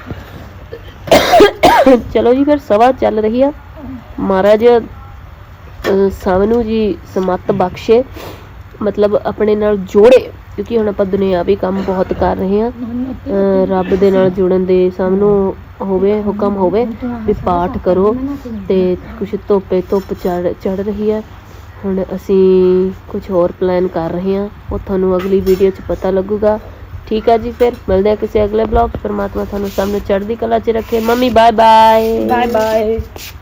Speaker 1: ਚਲੋ ਜੀ ਫਿਰ ਸਭਾ ਚੱਲ ਰਹੀ ਆ ਮਹਾਰਾਜ ਅਹ, ਸਭ ਨੂੰ ਜੀ ਸਮੱਤ ਬਖਸ਼ੇ ਮਤਲਬ ਆਪਣੇ ਨਾਲ ਜੋੜੇ ਕਿਉਂਕਿ ਹੁਣ ਆਪਾਂ ਦੁਨਿਆਵੀ ਕੰਮ ਬਹੁਤ ਕਰ ਰਹੇ ਹਾਂ ਅਹ, ਰੱਬ ਦੇ ਨਾਲ ਜੁੜਨ ਦੇ ਸਭ ਨੂੰ ਹੋਵੇ ਹੁਕਮ ਹੋਵੇ ਵੀ ਪਾਠ ਕਰੋ ਤੇ ਕੁਛ ਧੁੱਪੇ ਧੁੱਪ ਚੜ ਚੜ ਰਹੀ ਹੈ ਹੁਣ ਅਸੀਂ ਕੁਝ ਹੋਰ ਪਲਾਨ ਕਰ ਰਹੇ ਹਾਂ ਉਹ ਤੁਹਾਨੂੰ ਅਗਲੀ ਵੀਡੀਓ 'ਚ ਪਤਾ ਲੱਗੂਗਾ ਠੀਕ ਆ ਜੀ ਫਿਰ ਮਿਲਦੇ ਆ ਕਿਸੇ ਅਗਲੇ ਬਲੌਗ 'ਚ। ਪਰਮਾਤਮਾ ਤੁਹਾਨੂੰ ਸਭ ਨੂੰ ਚੜ੍ਹਦੀ ਕਲਾ 'ਚ ਰੱਖੇ mummy bye bye
Speaker 2: bye bye